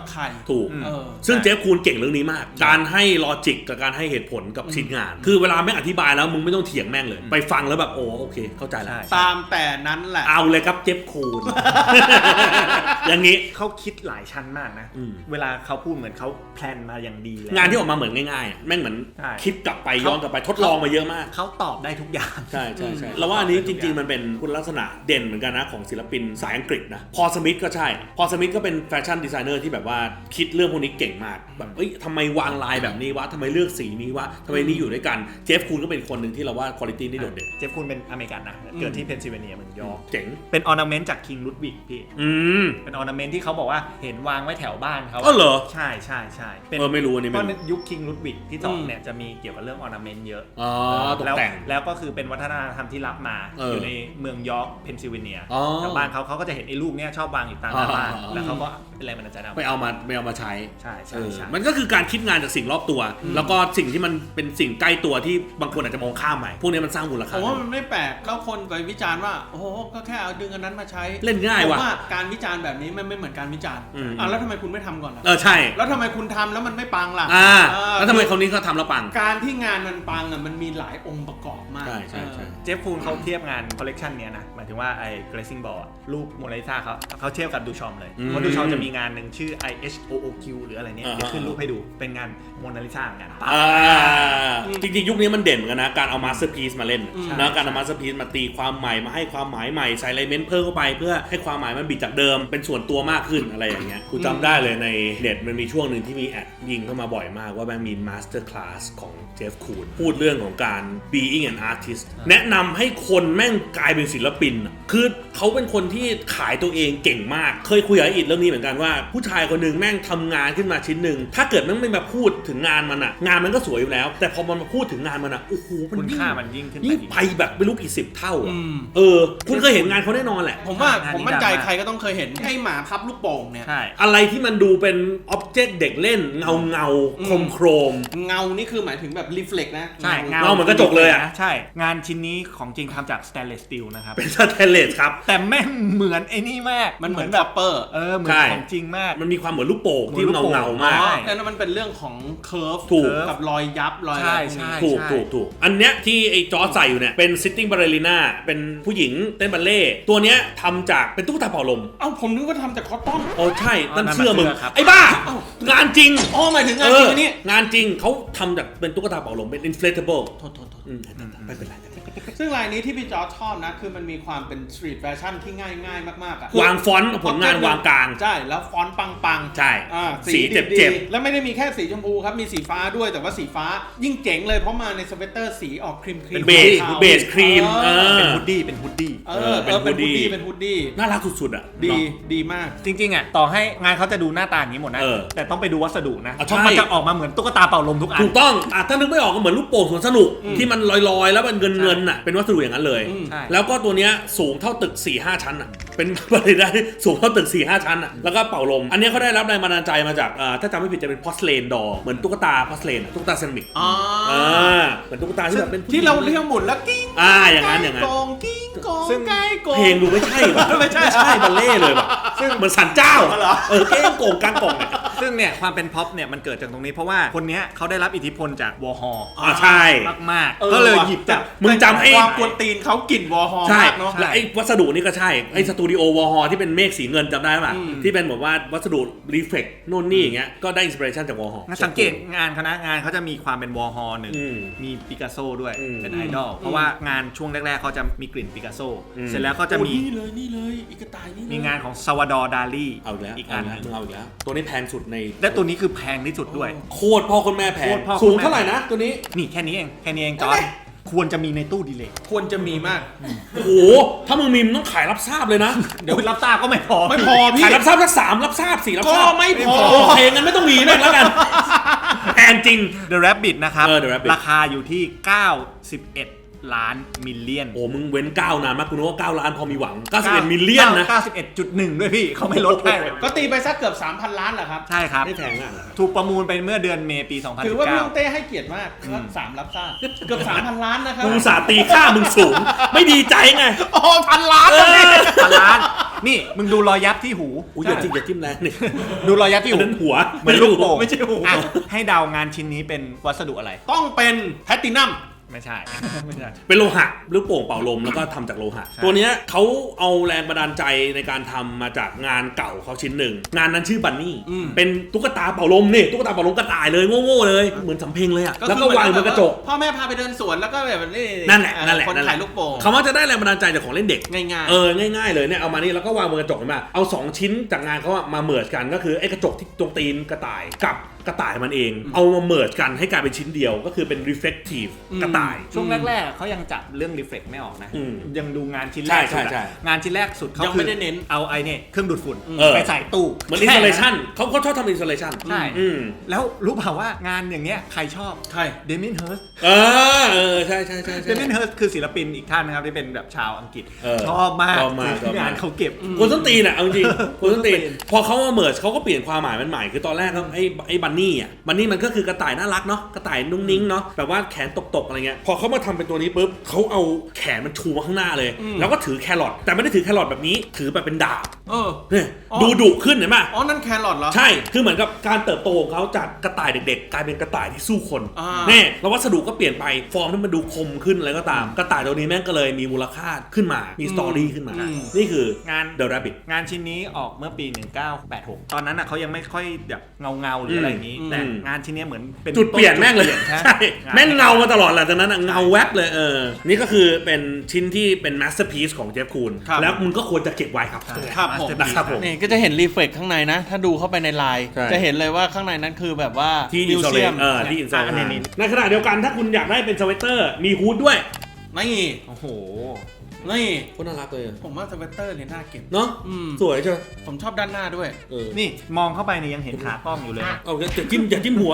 [SPEAKER 1] ใคร
[SPEAKER 2] ถูก
[SPEAKER 1] เออ
[SPEAKER 2] ซึ่งเจฟคูนเก่งเรื่องนี้มาก การให้ลอจิกกับการให้เหตุผลกับชิ้นงาน คือเวลาแม่งอธิบายแล้วมึงไม่ต้องเถียงแม่งเลย ไปฟังแล้วแบบโอเคเข้าใจแล้ว
[SPEAKER 1] ตามแต่นั้นแหละ
[SPEAKER 2] เอาเลยครับเจฟคูน อย่างนี้
[SPEAKER 3] เขาคิดหลายชั้นมากนะ เวลาเขาพูดเหมือนเขาแพลนมาอย่างดีแล้ว
[SPEAKER 2] งานที่ออกมาเหมือนง่ายๆแม่งเหมือน
[SPEAKER 3] ใช่
[SPEAKER 2] คิดกลับไปย้อนกลับไปทดลองมาเยอะมาก
[SPEAKER 3] เขาตอบได้ทุกอย่าง
[SPEAKER 2] ใช่แล้วว่าอันนี้จริงๆมันเป็นคุณลักษณะเด่นเหมือนกันนะของศิลปินสายอังกฤษนะพอสมิธก็ใช่พอสมิธก็เป็นแฟชั่นดีไซเนอร์ที่แบบว่าคิดเรื่องพวกนี้เก่งมากแบบทำไมวางลายแบบนี้วะทำไมเลือกสีนี้วะทำไมนี่อยู่ด้วยกันเจฟคูนก็เป็นคนหนึ่งที่เราว่าคุณภาพนี่โดดเด่น
[SPEAKER 3] เจฟคูนเป็นอเมริกันนะเกิดที่เพนซิลเวเนียเมืองยอร์ก
[SPEAKER 2] เจ๋ง
[SPEAKER 3] เป็นออร์นาเมนต์จากคิงลุดวิกพี่ เป็นออร์นาเมนต์ที่เขาบอกว่าเห็นวางไว้แถวบ้านเขา
[SPEAKER 2] อ๋อเหรอ
[SPEAKER 3] ใช่เป็น
[SPEAKER 2] ไม่รู้อันนี้
[SPEAKER 3] เพ
[SPEAKER 2] ไม่
[SPEAKER 3] ราะ
[SPEAKER 2] รู้
[SPEAKER 3] ยุคคิงลุดวิกที่สองเนี่ยจะมีเกี่ยวกับเรื่องออร์นาเมนต์เยอะ
[SPEAKER 2] อ๋อตกแต่ง
[SPEAKER 3] แล้วก็คือเป็นวัฒนธรรมที่รับมา อยู่ในเมืองยอร์กเพนซิลเวเนียแถวบ้านเขาก็จะเห็นไอ้ลูกเนี่ยชอบวางอยู่ตามหน้าบ้านแล้วเขาก็เป็นแรงบันดาลใจ
[SPEAKER 2] ไปเอามาใช้
[SPEAKER 3] ใช่
[SPEAKER 2] มันก็คือการคิดงานจากสิ่งรอบตัว แล้วก็สิ่งที่มันเป็นสิ่งใกล้ตัวที่บางคนอาจจะมองข้ามไปพวกนี้มันสร้างมูล
[SPEAKER 1] ผ
[SPEAKER 2] ค่า
[SPEAKER 1] มว่ามันไม่แปลกแล้วคนไปวิจารณ์ว่าโอ้โหก็แค่เอาดึงอันนั้นมาใช้
[SPEAKER 2] เล่นง่ายว่ะ
[SPEAKER 1] ผมว่าการวิจารณ์แบบนี้มันไม่เหมือนการวิจารณ์แล้วทำไมคุณไม่ทำก่อนล่ะ
[SPEAKER 2] ใช่
[SPEAKER 1] แล้วทำไมคุณทำแล้วมันไม่ปังล่ะ
[SPEAKER 2] แล้วทำไมคนนี้เขาทำแล้วปัง
[SPEAKER 1] การที่งานมันปังอ่ะมันมีหลายองค์ประกอบมาก
[SPEAKER 2] ใช่
[SPEAKER 3] เจฟคูนเขาเทียบงานคอลเลกชันเนี้ยนะหมายถึงว่าไอ้ Glazing Ball รูปโมนาลิซาเขาเทียบกับดูชอมเลยเพราะดูชอมจะมีงานหนึ่งชื่อ IHOOQ หรืออะไรเนี่ยเดี๋ยวขึ้นรูปให้ดูเป็นงานโมนาลิซาเหมือนกัน
[SPEAKER 2] จริงๆยุคนี้มันเด่นเหมือนกันนะการเอามาสเตอร์พีซมาเล่นนะการเอามาสเตอร์พีซมาตีความใหม่มาให้ความหมายใหม่ใส่ไลเมนต์เพิ่มเข้าไปเพื่อให้ความหมายมันบิดจากเดิมเป็นส่วนตัวมากขึ้นอะไรอย่างเงี้ยกูจำได้เลยในเน็ตมันมีช่วงหนึ่งที่มีแอดยิงเข้ามาบ่อยมากว่าแม่งมีมาสเตอร์คลาสของเจฟคูนพูดเรื่องของการ being an artist แนะนำให้คนแม่งกลายเป็นศิลปินคือเขาเป็นคนที่ขายตัวเองเก่งมากเคยคุยกับอิดเรื่องนี้เหมือนกันว่าผู้ชายคนหนึ่งแม่งทำงานขึ้นมาชิ้นหนึ่งถ้าเกิดแม่งไม่มาพูดถึงงานมันอะงานมันก็สวยอยู่แล้วแต่พอมันมาพูดถึงงานมันอะโอ้โห
[SPEAKER 3] คุณค่ามันยิ่งขึ้น
[SPEAKER 2] ไปแบบไม่รู้กี่สิบเท่าอะคุณเคยเห็นงานเขาแน่นอนแหละ
[SPEAKER 1] ผมมั่นใจใครก็ต้องเคยเห็นไอ้หมาพับลูกโป่งเนี่ย
[SPEAKER 3] ใช่
[SPEAKER 2] อะไรที่มันดูเป็นอ็อบเจกต์เด็กเล่นเงาโครม
[SPEAKER 1] เงานี่คือหมายถึงแบบรีเฟล็กนะ
[SPEAKER 3] ใช่
[SPEAKER 2] เงาเหมือนกระจกเลยอะ
[SPEAKER 3] ใช่งานชิ้นนี้ของจริงทำจากสแตนเลสสตีลนะครับ
[SPEAKER 2] เป็นสแตนเลสครับ
[SPEAKER 3] แต่แม่งเหมือนไอ้นี่มาก
[SPEAKER 1] มันเหมือนแบบเปอร์
[SPEAKER 3] เหมือนของจริงมาก
[SPEAKER 2] มันมีความเหมือนลูกโป่งที่เงามาก
[SPEAKER 1] แล้วมันเป็นเรื่องของเคิร์ฟ
[SPEAKER 2] ถูก
[SPEAKER 1] กับรอยยับรอยอะไรพวกนี้
[SPEAKER 2] ถูกอันเนี้ยที่ไอ้จอร์จใส่อยู่เนี่ยเป็นซิตติ้งบาเลริน่าเป็นผู้หญิงเต้นบัลเล่ตัวเนี้ยทำจากเป็นตุ๊กตาเป่าลม
[SPEAKER 1] เอ้าผมนึกว่าทำจากคอตตอน
[SPEAKER 2] โอ้ใช่นั่นเชื่อมึงไอ้บ้างานจริง
[SPEAKER 1] อ๋อหมายถึงงานจริงอันนี้
[SPEAKER 2] งานจริงเขาทำจากเป็นตุ๊กตาเป่าลมเป็น inflatable
[SPEAKER 1] โทษ
[SPEAKER 2] ไม่เป็นไร
[SPEAKER 1] ซึ่งลายนี้ที่พี่จอร์จชอบนะคือมันมีความเป็นสตรีทแฟชั่นที่ง่ายมากๆอ่ะ
[SPEAKER 2] วางฟอนต์ผลงานวางกลาง
[SPEAKER 1] ใช่แล้วฟอนต์ปังๆ
[SPEAKER 2] ใช่
[SPEAKER 1] สี
[SPEAKER 2] เจ็บ
[SPEAKER 1] แล้วไม่ได้มีแค่สีชมพูครับมีสีฟ้าด้วยแต่ว่าสีฟ้ายิ่งเจ๋งเลยเพราะมาในสเวตเตอร์สีออกครีม
[SPEAKER 2] เป็นเบสครีม
[SPEAKER 3] เป็นฮูดดี้เป็นฮูดดี้
[SPEAKER 1] เป็นฮูดดี้
[SPEAKER 2] น่ารักสุดๆอ่ะ
[SPEAKER 1] ดีมาก
[SPEAKER 3] จริงๆอ่ะต่อให้งานเขาจะดูหน้าตาอย่างนี้หมดนะแต่ต้องไปดูวัสดุนะ
[SPEAKER 2] เพ
[SPEAKER 3] เพราะมันจะออกมาเหมือนตุ๊กตาเป่าลมทุกอัน
[SPEAKER 2] ถูกต้องถ้านึกไม่ออกก็เหมือนลูกโป่งสวนสนุกที่มันลอยๆแล้วเป็นเงินอ่ะเป็นวัสดุอย่างนั้นเลย แล้วก็ตัวเนี้ยสูงเท่าตึก 4-5 ชั้นอ่ะเป็นบริได้สูงเท่าตึก 4-5 ชั้นอ่ะแล้วก็เป่าลมอันนี้เขาได้รับแรงบันดาลใจมาจากถ้าจำไม่ผิดจะเป็นพอสเลนดอเหมือนตุ๊กตาพอสเลนตุ๊กตาเซรามิกเหมือนตุ๊กตาที่แบบเป็น
[SPEAKER 1] ที่เราเรียกหมุนแล้วกิ้ง
[SPEAKER 2] อย่างนั้น
[SPEAKER 1] กองกิ้งกองไก่กอง
[SPEAKER 2] เพลงดูไม่ใช่ว่ะไม่ใช่บัลเล่เลยว่ะซึ่งเหมือนสันเจ้าเก้งโก่งกลางกล่องเนี่ย
[SPEAKER 3] ซึ่งเนี่ยความเป็นพ็อปเนี่ยมันเกิดจากตรงนี้เพราะว่าคนเนี้ยเขาได้รับอิทธิพลจากวอร์ฮอล
[SPEAKER 2] ใช่
[SPEAKER 3] มากๆก็เลยหยิบจาก
[SPEAKER 2] มึงจำไอ้
[SPEAKER 1] ความกวนตีนเขากลิ่นวอร์ฮอลมากเนาะ
[SPEAKER 2] และไอ้วัสดุนี่ก็ใช่ไอ้สตูดิโอวอร์ฮอลที่เป็นเมฆสีเงินจำได้ป่ะที่เป็นแบบว่าวัสดุรีเฟล็กโน่นนี่อย่างเงี้ยก็ได้อินสปิเรชันจากวอร์ฮอล
[SPEAKER 3] สังเกตงานคณะงานเขาจะมีความเป็นวอร์ฮอลหนึ่งมีปิกัสโซด้วยเป็นไอดอลเพราะว่างานช่วงแรกๆเขาจะมีกลิ่นปิกัสโซเสร็จแล้วก็จะมี
[SPEAKER 1] นี่เลยอีกตายนี่
[SPEAKER 3] มีงานของซาวาดอร์ดาลี
[SPEAKER 2] อีกอันนึงเอาอีกแล้วตัวนี้แพงสุดใน
[SPEAKER 3] และตัวนี้คือแพงที่สุดด้วย
[SPEAKER 2] โคตรพ่อคนแม่แพงสูงเท่าไหร่นะตัวนี้
[SPEAKER 3] นี่แค่นี้เองจอร์จควรจะมีในตู้ดีเลย์
[SPEAKER 1] ควรจะมีมาก
[SPEAKER 2] โอ้โหถ้ามึงมีมึงต้องขายรับทราบเลยนะ
[SPEAKER 3] เดี๋ยวรับทราบก็ไม่พอ
[SPEAKER 2] พี่ขายรับทราบสัก3รับทราบ4รับทราบ
[SPEAKER 1] ก็ไม่พอ
[SPEAKER 2] โอเคงั้นไม่ต้องมีแม่งแล้วกันแพงจริง
[SPEAKER 3] The Rabbit นะครับ
[SPEAKER 2] The Rabbit
[SPEAKER 3] ราคาอยู่ที่91ล้านมิลเลียน
[SPEAKER 2] โอ้มึงเว้น9นานมากกูนึกว่า9ล้านพอมีหวัง91มิลเลียนนะ
[SPEAKER 3] 91.1 ด้วยพี่เขาไม่ลดให้
[SPEAKER 1] ก็ตีไปสักเกือบ 3,000 ล้านแหละครับ
[SPEAKER 3] ใช่ครับ
[SPEAKER 2] ไม่แพงอ่ะ
[SPEAKER 3] ถูกประมูลไปเมื่อเดือนเมษายนปี2019
[SPEAKER 1] ถือว่าพี่เต้ให้เกียรติมาก3รับทราบเกือบ 3,000 ล้านนะครับ
[SPEAKER 2] กูสาตีค่ามึงสูงไม่ดีใจไง
[SPEAKER 1] อ๋อ1,000 ล้าน
[SPEAKER 3] 1,000 ล้านนี่มึงดูรอยยับที่หู
[SPEAKER 2] อุ้ยอย่าจิ้มแรงนี่
[SPEAKER 3] ดูรอยยับที่
[SPEAKER 2] อัน
[SPEAKER 3] หู
[SPEAKER 2] นั้นหัว
[SPEAKER 3] เหมือนลูกโป่ง
[SPEAKER 1] ไม่ใช่หู
[SPEAKER 3] อ่ะให้เดางานชิ้นนี้เป็นวัสดุอะไร
[SPEAKER 1] ต้องเป็นแพลตตินัม
[SPEAKER 3] ไม่ใช่ ไม่ใช่
[SPEAKER 2] เป็นโลหะลูกโป่งเป่าลมแล้วก็ทำจากโลหะ
[SPEAKER 3] ใช่
[SPEAKER 2] ตัวเนี้ยเขาเอาแรงบันดาลใจในการทำมาจากงานเก่าเขาชิ้นหนึ่งงานนั้นชื่อบันนี่เป็นตุ๊กตาเป่าลมนี่ตุ๊กตาเป่าลมกระต่ายเลยโง่ๆเลยเหมือนสำเพ็งเลยอะแล้วก็วางบนกระจก
[SPEAKER 1] พ่อแม่พาไปเดินสวนแล้วก็แบบนี่
[SPEAKER 2] นั่นแหละ
[SPEAKER 1] คนถ่ายลูกโป่ง
[SPEAKER 2] เขาว่าจะได้แรงบันดาลใจจากของเล่นเด็ก
[SPEAKER 1] ง่ายๆ
[SPEAKER 2] ง่ายๆเลยเนี่ยเอามานี่แล้วก็วางบนกระจกเห็นไหมเอา2ชิ้นจากงานเขาอะมาเมิร์จกันก็คือไอ้กระจกที่ตรงตีนกระต่ายกับกระต่ายมันเอง เอามาเมิร์จกันให้กลายเป็นชิ้นเดียวก็คือเป็น reflective กระต่าย
[SPEAKER 3] ช่วงแรกๆเขายังจับเรื่อง reflect ไม่ออกนะ
[SPEAKER 2] อืม
[SPEAKER 3] ยังดูงานชิ้นแรกสุด
[SPEAKER 2] ใช่
[SPEAKER 3] อะงานชิ้นแรกสุดเขา
[SPEAKER 1] ยังไม่ได้เน้น
[SPEAKER 3] เอาไอ้เนี่ยเครื่องดูดฝุ่น
[SPEAKER 2] เออ
[SPEAKER 3] ไปใส่ตู้
[SPEAKER 2] เหมือน installation เขาชอบทำ installation
[SPEAKER 3] ใช่
[SPEAKER 2] อืม
[SPEAKER 3] แล้วรู้เปล่าว่างานอย่างเงี้ยใครชอบ
[SPEAKER 1] ใคร
[SPEAKER 3] เดมิ n นเฮิร์ส
[SPEAKER 2] ใช่
[SPEAKER 3] เดมิ n นเฮิร์สคือศิลปินอีกท่านนะครับที่เป็นแบบชาวอังกฤษ
[SPEAKER 2] เออ
[SPEAKER 3] ชอบมาก
[SPEAKER 2] ชอบมาก
[SPEAKER 3] ที่งานเขาเก็บ
[SPEAKER 2] คนส้นตีนอ่ะเอาจริงคนส้นตีน
[SPEAKER 3] คนส้นตีน
[SPEAKER 2] พอเขามาเมิร์จเขาก็เปลี่ยนความหมายมันใหม่คือตอนแรกเขาไอ้บันนี่อ่ะบันนี่มันก็คือกระต่ายน่ารักเนาะกระต่ายนุ่งนิ้งเนาะแบบว่าแขนตกๆอะไรเงี้ยพอเขามาทำเป็นตัวนี้ปุ๊บเขาเอาแขนมันชูมาข้างหน้าเลย แล้วก็ถือแครอทแต่ไม่ได้ถือแครอทแบบนี้ถือแบบเป็นดาบ
[SPEAKER 1] เออ
[SPEAKER 2] เนี่ย
[SPEAKER 1] อ๋อ
[SPEAKER 2] ดูดุขึ้นเห็นไหม
[SPEAKER 1] อ๋อนั่นแครอทเหรอ
[SPEAKER 2] ใช่คือเหมือนกับการเติบโตของเขาจากกระต่ายเด็กๆ กลายเป็นกระต่ายที่สู้คน
[SPEAKER 1] อ่า
[SPEAKER 2] เนี่ยแล้ววัสดุก็เปลี่ยนไปฟอร์มที่มันดูคมขึ้นอะไรก็ตามกระต่ายตัวนี้แม่งก็เลยมีมูลค่าขึ้นมามีสตอรี่ขึ้นมา นี่คือง
[SPEAKER 3] าน
[SPEAKER 2] The Rabbit
[SPEAKER 3] งานชิ้นนี้ออกเมื่อปี 1986 ตอนนั้นอ่ะเขายังไม่ค่อยแบบเงาหรืออะไรอย่างนี้ แต่งานชิ้นนี้เหมือนเป็น
[SPEAKER 2] จุดเปลี่ยนแม่งเลย
[SPEAKER 3] ใช่
[SPEAKER 2] ใช่แม่งเงามาตลอดแหละจากนั้นอะเงาแวบเลยนี่ก็คือเป็นชิ้นที่เป็น masterpiece ของเจฟคูน
[SPEAKER 1] ครับ
[SPEAKER 2] แล้วมึงก็ควรจะเก็บไว้ครับ
[SPEAKER 1] ครับผม
[SPEAKER 2] นะครับผม
[SPEAKER 1] นี่ก็จะเห็นรีเฟกข้างในนะ ถ้าดูเข้าไปในไลน์
[SPEAKER 2] ใช่
[SPEAKER 1] จะเห็นเลยว่าข้างในนั้นคือแบบว่า
[SPEAKER 2] ที่
[SPEAKER 1] มิวเซียม
[SPEAKER 2] ที่อินสตา
[SPEAKER 3] อันนี้
[SPEAKER 2] ในขณะเดียวกันถ้าคุณอยากได้เป็นสเวตเตอร์มีฮูดด้วย
[SPEAKER 1] นี่
[SPEAKER 3] โอ้โห
[SPEAKER 1] นี่
[SPEAKER 2] โคตรน่ารักเลย
[SPEAKER 1] ผมว่าสเวตเตอร์เนี่ยน่าเก็บ
[SPEAKER 2] เนาะ สวยใช่ไหม
[SPEAKER 1] ผมชอบด้านหน้าด้วย
[SPEAKER 3] นี่มองเข้าไปเนี่ยยังเห็นขากล้องอยู่เลยนะ
[SPEAKER 2] เอาอย่าจิ้มหัว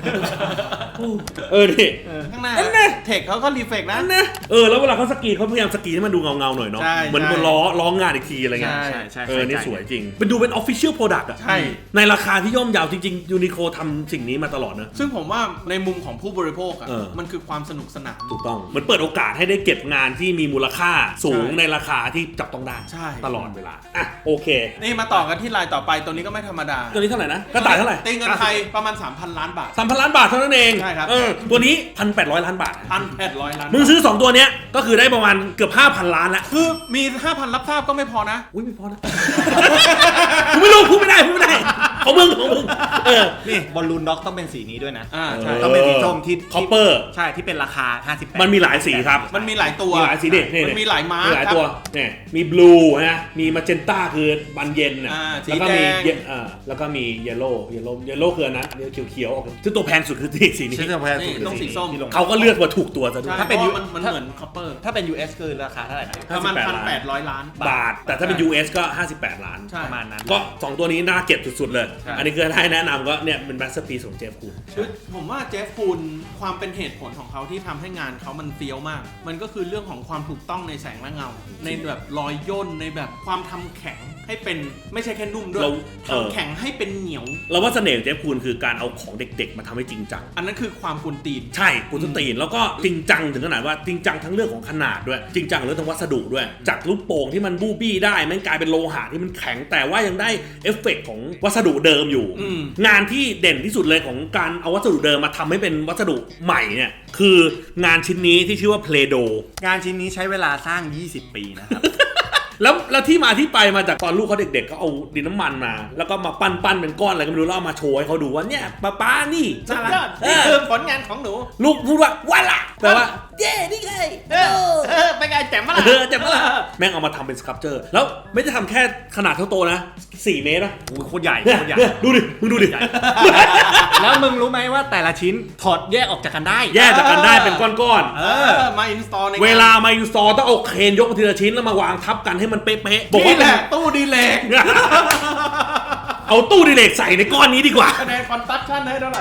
[SPEAKER 2] นี่
[SPEAKER 1] ข้างหน้า
[SPEAKER 2] อันนี้
[SPEAKER 1] เทคเขาก็รีเฟกนะ
[SPEAKER 2] นั่นนะแล้วเวลาเขาสกรีเขาพยายามสกรีให้มันดูเงาๆหน่อยเนาะ
[SPEAKER 1] ใช่
[SPEAKER 2] เหมือน
[SPEAKER 1] ใช่
[SPEAKER 2] ล้องานอีกทีอะไรเงี้ย
[SPEAKER 1] ใช่
[SPEAKER 3] ใช่
[SPEAKER 2] นี่สวยจริงเป็นดูเป็น official product อะ
[SPEAKER 1] ใช่
[SPEAKER 2] ในราคาที่ย่อมเยาวจริงๆยูนิโคทำสิ่งนี้มาตลอดนะ
[SPEAKER 1] ซึ่งผมว่าในมุมของผู้บริโภคอ่ะ มันคือความสนุกสนาน
[SPEAKER 2] ถูกต้องมันเปิดโอกาสให้ได้เก็บงานที่มีมูลค่าสูง
[SPEAKER 1] ใช่
[SPEAKER 2] ในราคาที่จับต้องได้
[SPEAKER 1] ใช่
[SPEAKER 2] ตลอดเวลาอ่ะโอเค
[SPEAKER 1] นี่มาต่อกันที่ลายต่อไปตัวนี้ก็ไม่ธรรมดา
[SPEAKER 2] ตัวนี้เท่าไหร่นะกระต่ายเท่าไหร่
[SPEAKER 1] ตีเงินไทยประมาณ 3,000 ล้านบาท
[SPEAKER 2] 3,000 ล้านบาทเท่านั้นเอง
[SPEAKER 1] ใช่ครับ
[SPEAKER 2] ตัวนี้ 1,800 ล้านบาท
[SPEAKER 1] 1,800 ล้าน
[SPEAKER 2] มึงซื้อ 2 ตัวเนี้ยก็คือได้ประมาณเกือบ 5,000 ล้านละ
[SPEAKER 1] คือมี 5,000 รับทราบก็ไม่พอนะ
[SPEAKER 2] อุ้ยไม่พอนะกูไม่รู้พูดไม่ได้ของมึง
[SPEAKER 3] นี่บอลลูนด็อกต้องเป็นสีนี้ด้วยนะ
[SPEAKER 1] ใช่
[SPEAKER 3] ต้องเป็นสีส้มที่
[SPEAKER 2] คอปเปอร์
[SPEAKER 3] ใช่ที่เป็นราคา 58
[SPEAKER 2] มันมีหลายสีครับ
[SPEAKER 1] มันมีหลายตัว
[SPEAKER 2] มีหลายสีเด็ด
[SPEAKER 1] มันมีหลายม้า
[SPEAKER 2] มีหลาย
[SPEAKER 1] ครับ
[SPEAKER 2] ตัวเนี่ยมีบลูนะมีมาเจนต้าคือบันเย็นนะ
[SPEAKER 1] สี
[SPEAKER 2] แล้วก็มี
[SPEAKER 1] แดง
[SPEAKER 2] แล้วก็มีเยลโล่คืออันนั้นเขียวๆออกซึ่งตัวแพงสุดคือสีนี้
[SPEAKER 3] ใช่ตัวแพงสุด
[SPEAKER 1] นี่ต้องสีส้ม
[SPEAKER 3] ที่ลง
[SPEAKER 2] เขาก็เลือกมาถูกตัวซะด้วย
[SPEAKER 1] ถ้าเป็นมันเหมือนคอปเปอร์
[SPEAKER 3] ถ้าเป็น US คือราคาเท่าไหร่นะ
[SPEAKER 1] ประมาณ
[SPEAKER 2] 58
[SPEAKER 1] 1,800 ล้าน
[SPEAKER 2] บาท แต่ถ้าเป็น US ก็ 58 ล้าน
[SPEAKER 1] ใช่
[SPEAKER 3] ประมาณนั้น
[SPEAKER 2] ก็ 2 ตัวนี้น่าเก็บสุดๆเลย
[SPEAKER 3] ใช่
[SPEAKER 2] อันนี้คือให้แนะนำก็เนี่ยเป็น masterpiece ของเจฟคูน
[SPEAKER 1] คือผมว่าเจฟคูนความเป็นเหตุผลของเขาที่ทำให้งานเขามันเฟี้ยวมาก มันก็คือเรื่องของความถูกต้องในแสงและเงา ในแบบรอยย่นในแบบความทำแข็งให้เป็นไม่ใช่แค่นุ่มด้วย
[SPEAKER 2] เรา
[SPEAKER 1] ทำแข็งให้เป็นเหนียว
[SPEAKER 2] เราว่าเสน่ห์ของเจฟคูนคือการเอาของเด็กๆมาทำให้จริงจัง
[SPEAKER 1] อันนั้นคือความกวนตีน
[SPEAKER 2] ใช่กุนสตีนแล้วก็จริงจังถึงขนาดว่าจริงจังทั้งเรื่องของขนาดด้วยจริงจังเรื่องของวัสดุด้วย จากลูกโป่งที่มันบูบี้ได้แม่งกลายเป็นโลหะที่มันแข็งแต่ว่ายังได้เอฟเฟกต์ของวัสดุเดิมอยู่ งานที่เด่นที่สุดเลยของการเอาวัสดุเดิมมาทำให้เป็นวัสดุใหม่เนี่ยคืองานชิ้นนี้ที่ชื่อว่า Play-Doh
[SPEAKER 3] งานชิ้นนี้ใช้เวลาสร้าง 20 ปีนะครับ
[SPEAKER 2] แล้วที่มาที่ไปมาจากตอนลูกเขาเด็กๆเขาเอาดินน้ำมันมา แล้วก็มาปั้นเป็นก้อนอะไรก็ไม่รู้แล้วเอามาโชว์ให้เขาดูว่าเนี่ยป้านี่
[SPEAKER 1] สุ
[SPEAKER 2] น่า
[SPEAKER 1] ด
[SPEAKER 2] รั
[SPEAKER 1] ย
[SPEAKER 2] ก
[SPEAKER 1] อดนี่คือผลงานของหนู
[SPEAKER 2] ลูกพูดว่าว้าล่ะแปลว่าเย้นี่ไง
[SPEAKER 1] ไปไงแจ่มมาละ
[SPEAKER 2] เจ็บปะล่ะแม่งเอามาทำเป็นสครับเจอร์แล้วไม่ได้ทำแค่ขนาดเท่าโตนะ4 เมตรนะ
[SPEAKER 3] โอ้ยโคตรใหญ่
[SPEAKER 2] เนี่ย
[SPEAKER 3] โคตรใหญ่
[SPEAKER 2] เนี่ยดูดิมึงดูดิ
[SPEAKER 3] แล้วมึงรู้ไหมว่าแต่ละชิ้นถอดแยกออกจากกันได้
[SPEAKER 2] แยกจากกันได้เป็นก้อน
[SPEAKER 1] มาอินสตอลใน
[SPEAKER 2] ๆเวลามาอินสตอลต้องเอาเครนยกมาทีละชิ้นแล้วมาวางทับกันให้มันเป๊ะๆบอกว่า
[SPEAKER 1] นี่แหละตู้ดีเลก
[SPEAKER 2] เอาตู้ดิเลกใส่ในก้อนนี้ดีกว่า
[SPEAKER 1] คะแนนคอนตัคชั่นให้เท่าไหร่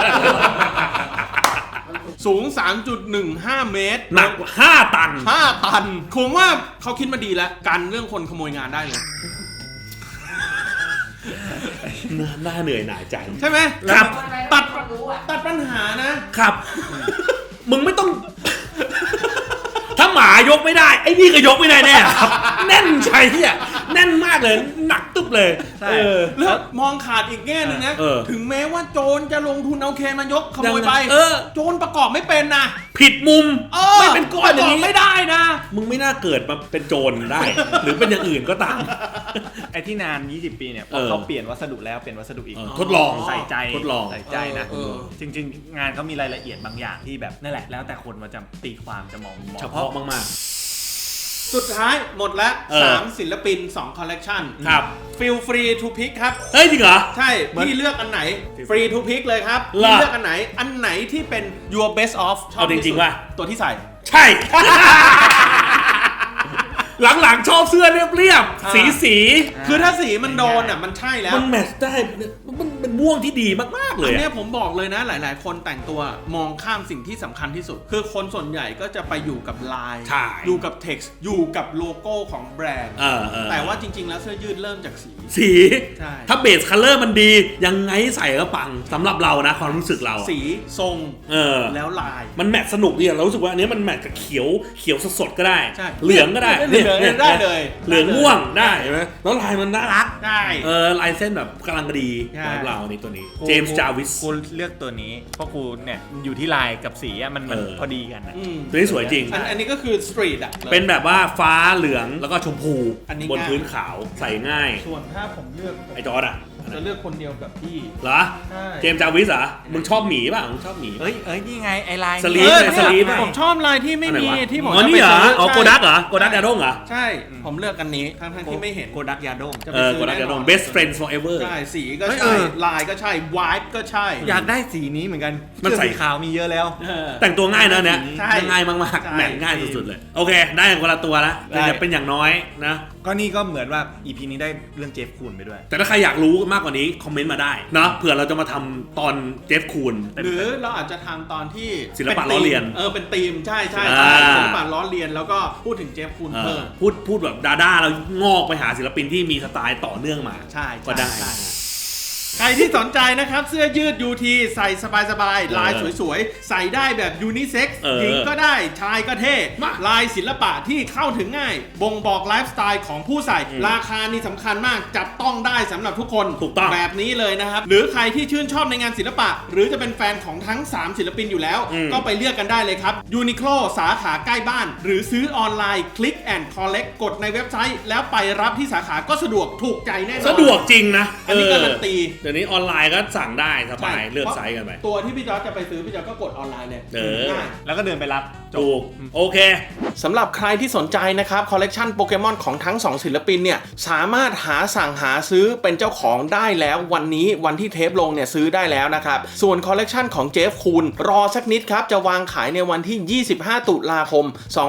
[SPEAKER 1] สูง 3.15 เมตร
[SPEAKER 2] หนัก5 ตัน
[SPEAKER 1] 5 ตันผมว่าเขาคิดมาดีแล้วกันเรื่องคนขโมยงานได้เลย
[SPEAKER 2] น่าเหนื่อยหน่ายใจ
[SPEAKER 1] ใช่ไหม
[SPEAKER 2] ครับ
[SPEAKER 1] ตัด
[SPEAKER 4] คนรู้อ่ะ
[SPEAKER 1] ตัดปัญหานะ
[SPEAKER 2] ครับ มึงไม่ต้อง ถ้าหมายกไม่ได้ไอ้นี่ก็ยกไม่ได้แน่ครับ แน่นใช่ที่แน่นมากเลยหนักตึ๊บเลย
[SPEAKER 3] ใช่
[SPEAKER 1] แล้วมองขาดอีกแง่หนึ่งนะ
[SPEAKER 2] เออ
[SPEAKER 1] ถึงแม้ว่าโจรจะลงทุนเอาเคนมายกขโมยไป โจรประกอบไม่เป็นนะ
[SPEAKER 2] ผิดมุม
[SPEAKER 1] ไม่
[SPEAKER 2] ไม่เป็นก้อนอย่างนี้
[SPEAKER 1] ไม่ได้นะ
[SPEAKER 2] มึงไม่น่าเกิดมาเป็นโจรได้ หรือเป็นอย่างอื่นก็ตาม
[SPEAKER 3] ไอ้ที่นาน 20 ปีเนี่ยพ
[SPEAKER 2] เอ
[SPEAKER 3] อ
[SPEAKER 2] อ
[SPEAKER 3] เขาเปลี่ยนวัสดุแล้วเปลี่ยนวัสดุอีก
[SPEAKER 2] ทดลอง
[SPEAKER 3] ใส่ใจ
[SPEAKER 2] ทดลอง
[SPEAKER 3] ใส่ใจนะ
[SPEAKER 1] เออ
[SPEAKER 3] จริงๆ งานเขามีรายละเอียดบางอย่างที่แบบนั่นแหละแล้วแต่คนมาจะตีความจะมอง
[SPEAKER 2] เฉพาะมาก
[SPEAKER 1] สุดท้ายหมดแล้ว
[SPEAKER 2] เออ
[SPEAKER 1] 3 ศิลปิน 2 คอลเลกชัน
[SPEAKER 2] ครับ
[SPEAKER 1] Feel free to pick ครับ
[SPEAKER 2] ๆ เฮ้ยจริงเหรอ
[SPEAKER 1] ใช่ พี่เลือกอันไหไหน free to pick เลยครับ
[SPEAKER 2] เหรอ
[SPEAKER 1] พี่เลือกอันไหนที่เป็น your best of ชอบ
[SPEAKER 2] เอาจริงๆ
[SPEAKER 1] ที่สุด
[SPEAKER 2] ว่ะ
[SPEAKER 1] ตัวที่ใส่
[SPEAKER 2] ใช่ หลังๆชอบเสื้อเรียบ
[SPEAKER 1] อ่า
[SPEAKER 2] ๆสี
[SPEAKER 1] คือถ้าสีมันโดนอ่ะมันใช่แล้ว
[SPEAKER 2] มันแมทช์ได้มันเป็นม่วงที่ดีมากๆเล
[SPEAKER 1] อั
[SPEAKER 2] ย
[SPEAKER 1] นเนี้
[SPEAKER 2] อะ
[SPEAKER 1] ยผมบอกเลยนะหลาย ๆ คนแต่งตัวมองข้ามสิ่งที่สำคัญที่สุด คือคนส่วนใหญ่ก็จะไปอยู่กับลาย
[SPEAKER 2] ใช่
[SPEAKER 1] อยู่กับ text อยู่กับโลโก้ของแบรนด์
[SPEAKER 2] เออ
[SPEAKER 1] แต่ว่าจริง ๆ แล้วเสื้อยืดเริ่มจากสี
[SPEAKER 2] สี
[SPEAKER 1] ใช่
[SPEAKER 2] ถ้าเบสคัลเลอร์มันดี ยังไงใส่ก็ปังสำหรับเรานะความรู้สึกเราอะ
[SPEAKER 1] สีทรง
[SPEAKER 2] เออ
[SPEAKER 1] แล้วลาย
[SPEAKER 2] มันแมทสนุกดีอะเรารู้สึกว่าอันนี้มันแมทกับเขียวสดๆก็ได้
[SPEAKER 1] ใช่
[SPEAKER 2] เหลืองก็ได้
[SPEAKER 1] เหลือง
[SPEAKER 2] นี่
[SPEAKER 1] ได้เลย
[SPEAKER 2] เหลืองม่วงได้เห็นไหมแล้วลายมันน่ารัก
[SPEAKER 1] ได้
[SPEAKER 2] ลายเส้นแบบกำลังดี
[SPEAKER 1] ใช่
[SPEAKER 2] สำหรับเรานี่ตัวนี้เจมส์จาวิส
[SPEAKER 3] กูเลือกตัวนี้เพราะกูเนี่ยอยู่ที่ลายกับสีอะมัน
[SPEAKER 2] เออ
[SPEAKER 3] พอดีกันนะ
[SPEAKER 1] อืม
[SPEAKER 2] ตัวนี้สวยจริง
[SPEAKER 1] อันนี้ก็คือสตรีทอ่ะ
[SPEAKER 2] เป็นแบบว่าฟ้าเหลืองแล้วก็ชมพู
[SPEAKER 1] อันนี้
[SPEAKER 2] บน
[SPEAKER 1] ง่าย
[SPEAKER 2] พื้นขาวใส่ง่าย
[SPEAKER 1] ส่วนถ้าผมเลือก
[SPEAKER 2] ไอจอร์ดอะ
[SPEAKER 1] จะเลือกคนเดียวกับพี่
[SPEAKER 2] เหรอ
[SPEAKER 1] ใช่
[SPEAKER 2] เจมส์จาวิสเหรอมึงชอบหมีป่ะมึงชอบหมี
[SPEAKER 3] เอ้ยนี่ไงไอลาย
[SPEAKER 2] สลีฟ
[SPEAKER 1] เนี่ย
[SPEAKER 2] สลีฟ
[SPEAKER 1] ผมชอบลายที่ไม่
[SPEAKER 2] อันไหน
[SPEAKER 1] มี
[SPEAKER 2] วะ
[SPEAKER 1] ที่ผม
[SPEAKER 2] อ๋อ
[SPEAKER 1] จะ
[SPEAKER 2] นี่
[SPEAKER 1] ไป
[SPEAKER 2] เหรอ
[SPEAKER 1] ซื้
[SPEAKER 2] อ๋อ
[SPEAKER 1] ใช่
[SPEAKER 2] โกดักเหรอโกดักยาดงเหรอ
[SPEAKER 1] ใช่ ผมเลือกอันนี้ทั้งที่ไม่เห็น
[SPEAKER 3] โกดักยาดง
[SPEAKER 1] จะไปซื้
[SPEAKER 2] โกดักยาดง best friends forever
[SPEAKER 1] ใช่สีก็
[SPEAKER 3] เฮ้ย
[SPEAKER 1] ใช่
[SPEAKER 3] เออ
[SPEAKER 1] ลายก็ใช่วายก็ใช่
[SPEAKER 3] อยากได้สีนี้เหมือนกัน
[SPEAKER 2] มันใส่
[SPEAKER 3] สีขาวมีเยอะแล้ว
[SPEAKER 2] แต่งตัวง่ายนะเนี่ย
[SPEAKER 1] ใช่
[SPEAKER 2] ง่ายมาก
[SPEAKER 1] ใช่
[SPEAKER 2] ๆแมทง่ายสุดๆเลย โอเค ได้คนละตัวแล้วแต่
[SPEAKER 3] ได้
[SPEAKER 2] จะเป็นอย่างน้อยนะ
[SPEAKER 3] ก็นี่ก็เหมือนว่า EP นี้ได้เรื่องเจฟคูนไปด้วย
[SPEAKER 2] แต่ถ้าใครอยากรู้มากกว่านี้คอมเมนต์มาได้นะเผื่อเราจะมาทำตอนเจฟคูน
[SPEAKER 1] หรือเราอาจจะทำตอนที่
[SPEAKER 2] ศิลปะล้อเลียน
[SPEAKER 1] เป็นธีมใช่
[SPEAKER 2] อ่า
[SPEAKER 1] ศิลปะล้อเลียนแล้วก็พูดถึงเจฟคูนเพิ่ม
[SPEAKER 2] พูดแบบดาแล้วงอกไปหาศิลปินที่มีสไตล์ต่อเนื่องมา
[SPEAKER 1] ใช่
[SPEAKER 2] ก็ได้
[SPEAKER 1] ใช่ใครที่สนใจนะครับ เสื้อยืด UT ใส่สบายๆ ลายสวยๆ ใส่ได้แบบยูนิเซ็กซ์
[SPEAKER 2] เออ
[SPEAKER 1] หญิงก็ได้ชายก็เท่
[SPEAKER 2] มา
[SPEAKER 1] ลายศิลปะที่เข้าถึงง่าย บ่งบอกไลฟ์สไตล์ของผู้ใส่ ราคานี่สำคัญมาก จับต้องได้สำหรับทุกคน
[SPEAKER 2] ถูกต้อง
[SPEAKER 1] แบบนี้เลยนะครับ หรือใครที่ชื่นชอบในงานศิลปะ หรือจะเป็นแฟนของทั้ง 3 ศิลปินอยู่แล้ว ก็ไปเลือกกันได้เลยครับ Uniqlo สาขาใกล้บ้าน หรือซื้อออนไลน์ Click and Collect กดในเว็บไซต์ แล้วไปรับที่สาขาก็สะดวกถูกใจแน่นอน
[SPEAKER 2] สะดวกจริงนะ
[SPEAKER 1] อันนี้การันตี
[SPEAKER 2] เดี๋ยวนี้ออนไลน์ก็สั่งได้สบาย
[SPEAKER 1] ใช่
[SPEAKER 2] เลือกไซส์กันไป
[SPEAKER 1] ตัวที่พี่จอร์จจะไปซื้อพี่จอร์จก็กดออนไลน์เลย
[SPEAKER 2] เออ
[SPEAKER 1] ง่าย
[SPEAKER 3] แล้วก็เดินไปรับจ
[SPEAKER 2] ถู
[SPEAKER 3] บ
[SPEAKER 2] กโอเค
[SPEAKER 1] สำหรับใครที่สนใจนะครับคอลเลกชันโปเกมอนของทั้ง 2 ศิลปินเนี่ยสามารถสั่งหาซื้อเป็นเจ้าของได้แล้ววันนี้วันที่เทปลงเนี่ยซื้อได้แล้วนะครับ ส่วนคอลเลกชันของเจฟคูนรอสักนิดครับ จะวางขายในวันที่ 25 ตุลาคม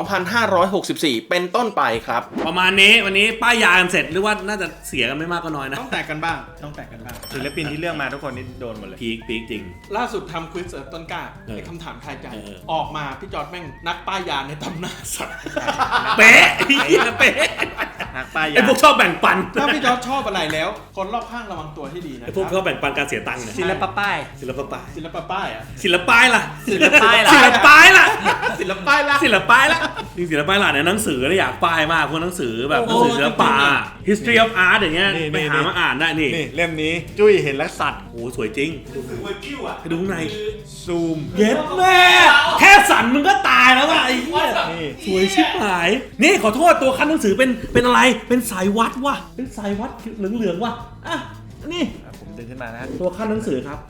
[SPEAKER 1] 2564 เป็นต้นไปครับ
[SPEAKER 2] ประมาณนี้วันนี้ป้ายยากันเสร็จหรือว่าน่าจะเสียกันไม่มากก็น้อยนะ
[SPEAKER 1] ต้องแตกกันบ้างต้องแตกกันบ้าง
[SPEAKER 3] ศิลปินที่เลือกมาทุกคนนี่โดนหมดเลย
[SPEAKER 2] พีคจริง
[SPEAKER 1] ล่าสุดทำควิสต้นกล้า
[SPEAKER 2] เออ
[SPEAKER 1] ไอ้คำถามทายใจ
[SPEAKER 2] เออ
[SPEAKER 1] ออกมาพี่จอร์จแม่งนักป้ายยาในตำนานสัตว์
[SPEAKER 2] เป๊ะเป๊ะ
[SPEAKER 3] นักป้ายยา
[SPEAKER 2] ไอพวกชอบแบ่งปัน
[SPEAKER 1] ถ้าพี่จอร์จชอบอะไรแล้ว คนรอบข้างระวังตัวให้ดีนะ
[SPEAKER 2] ไอพวกชอบแบ่งปันการเสียตังค์เนี่ย
[SPEAKER 3] ศิลปะป้าย
[SPEAKER 2] ศิลปะป้าย
[SPEAKER 1] ศิลปะป้ายอ่ะ
[SPEAKER 2] ศิลปป้ายล่ะ
[SPEAKER 3] ศิลปป้ายล่ะ
[SPEAKER 2] ศิลปป้ายล่ะ
[SPEAKER 1] ศิลปะป้ายละ
[SPEAKER 2] ศิลปป้ายล่ะจริงศิลปป้ายล่ะเนี่ยหนังสือเนี่ยอยากป้ายมากพวกหนังสือแบบหนังสือศิลปะ history of art อย่างเงี้ย
[SPEAKER 3] นี่
[SPEAKER 2] ไปหามาอ่านได้นี่
[SPEAKER 3] นี่เล่มนี้จุ้ยเห็นแล้วสัตว์
[SPEAKER 2] โอ้สวยจริงไปดูข้างใน
[SPEAKER 3] ซูม
[SPEAKER 2] เย็ดแม่แค่สั่นมึงก็ตายแล้วว่ะไอ้เหี้ย
[SPEAKER 3] นี่
[SPEAKER 2] สวยชิบหาย นี่ขอโทษตัวคันหนังสือเป็นอะไร เป็นสายวัดว่ะ เป็นสายวัดเหลืองๆว่ะ อ่ะ นี่
[SPEAKER 3] ผมดึงขึ้นมานะ
[SPEAKER 2] ตัวคันหนังสือครับ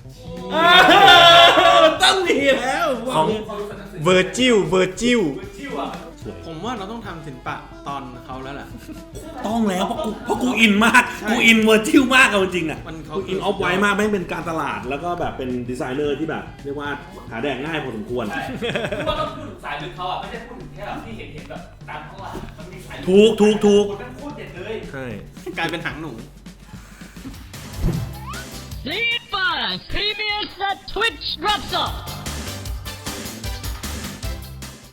[SPEAKER 2] ต้องมีแล้ว
[SPEAKER 3] ของ เวอร์จิล
[SPEAKER 1] ผมว่าเราต้องทำศิลปะตอนเขาแล้วแหละ
[SPEAKER 2] ต้องแล้วเพราะกูอินมาก
[SPEAKER 1] ใช่
[SPEAKER 2] กูอินเวอร์จิลมากเอาจริงๆอ่ะ
[SPEAKER 1] มันเขา
[SPEAKER 2] กูอินออฟไว้มากแม่งเป็นการตลาดแล้วก็แบบเป็นดีไซเนอร์ที่แบบเรียกว่าหาแดกง่ายพอสมควร
[SPEAKER 4] คือว่าต้องพูดถึงสายลึกเขาอ่ะไม่ใช่พูดถึงแค่แบบที่เห็นแบบตามข้างหลังมันมีสายลึ
[SPEAKER 2] ถูก
[SPEAKER 4] คนนั้นโคตรเด็ดเลย
[SPEAKER 3] ใช่
[SPEAKER 1] กลายเป็นหางหนู
[SPEAKER 5] Sleep on! PBS Twitch drops off!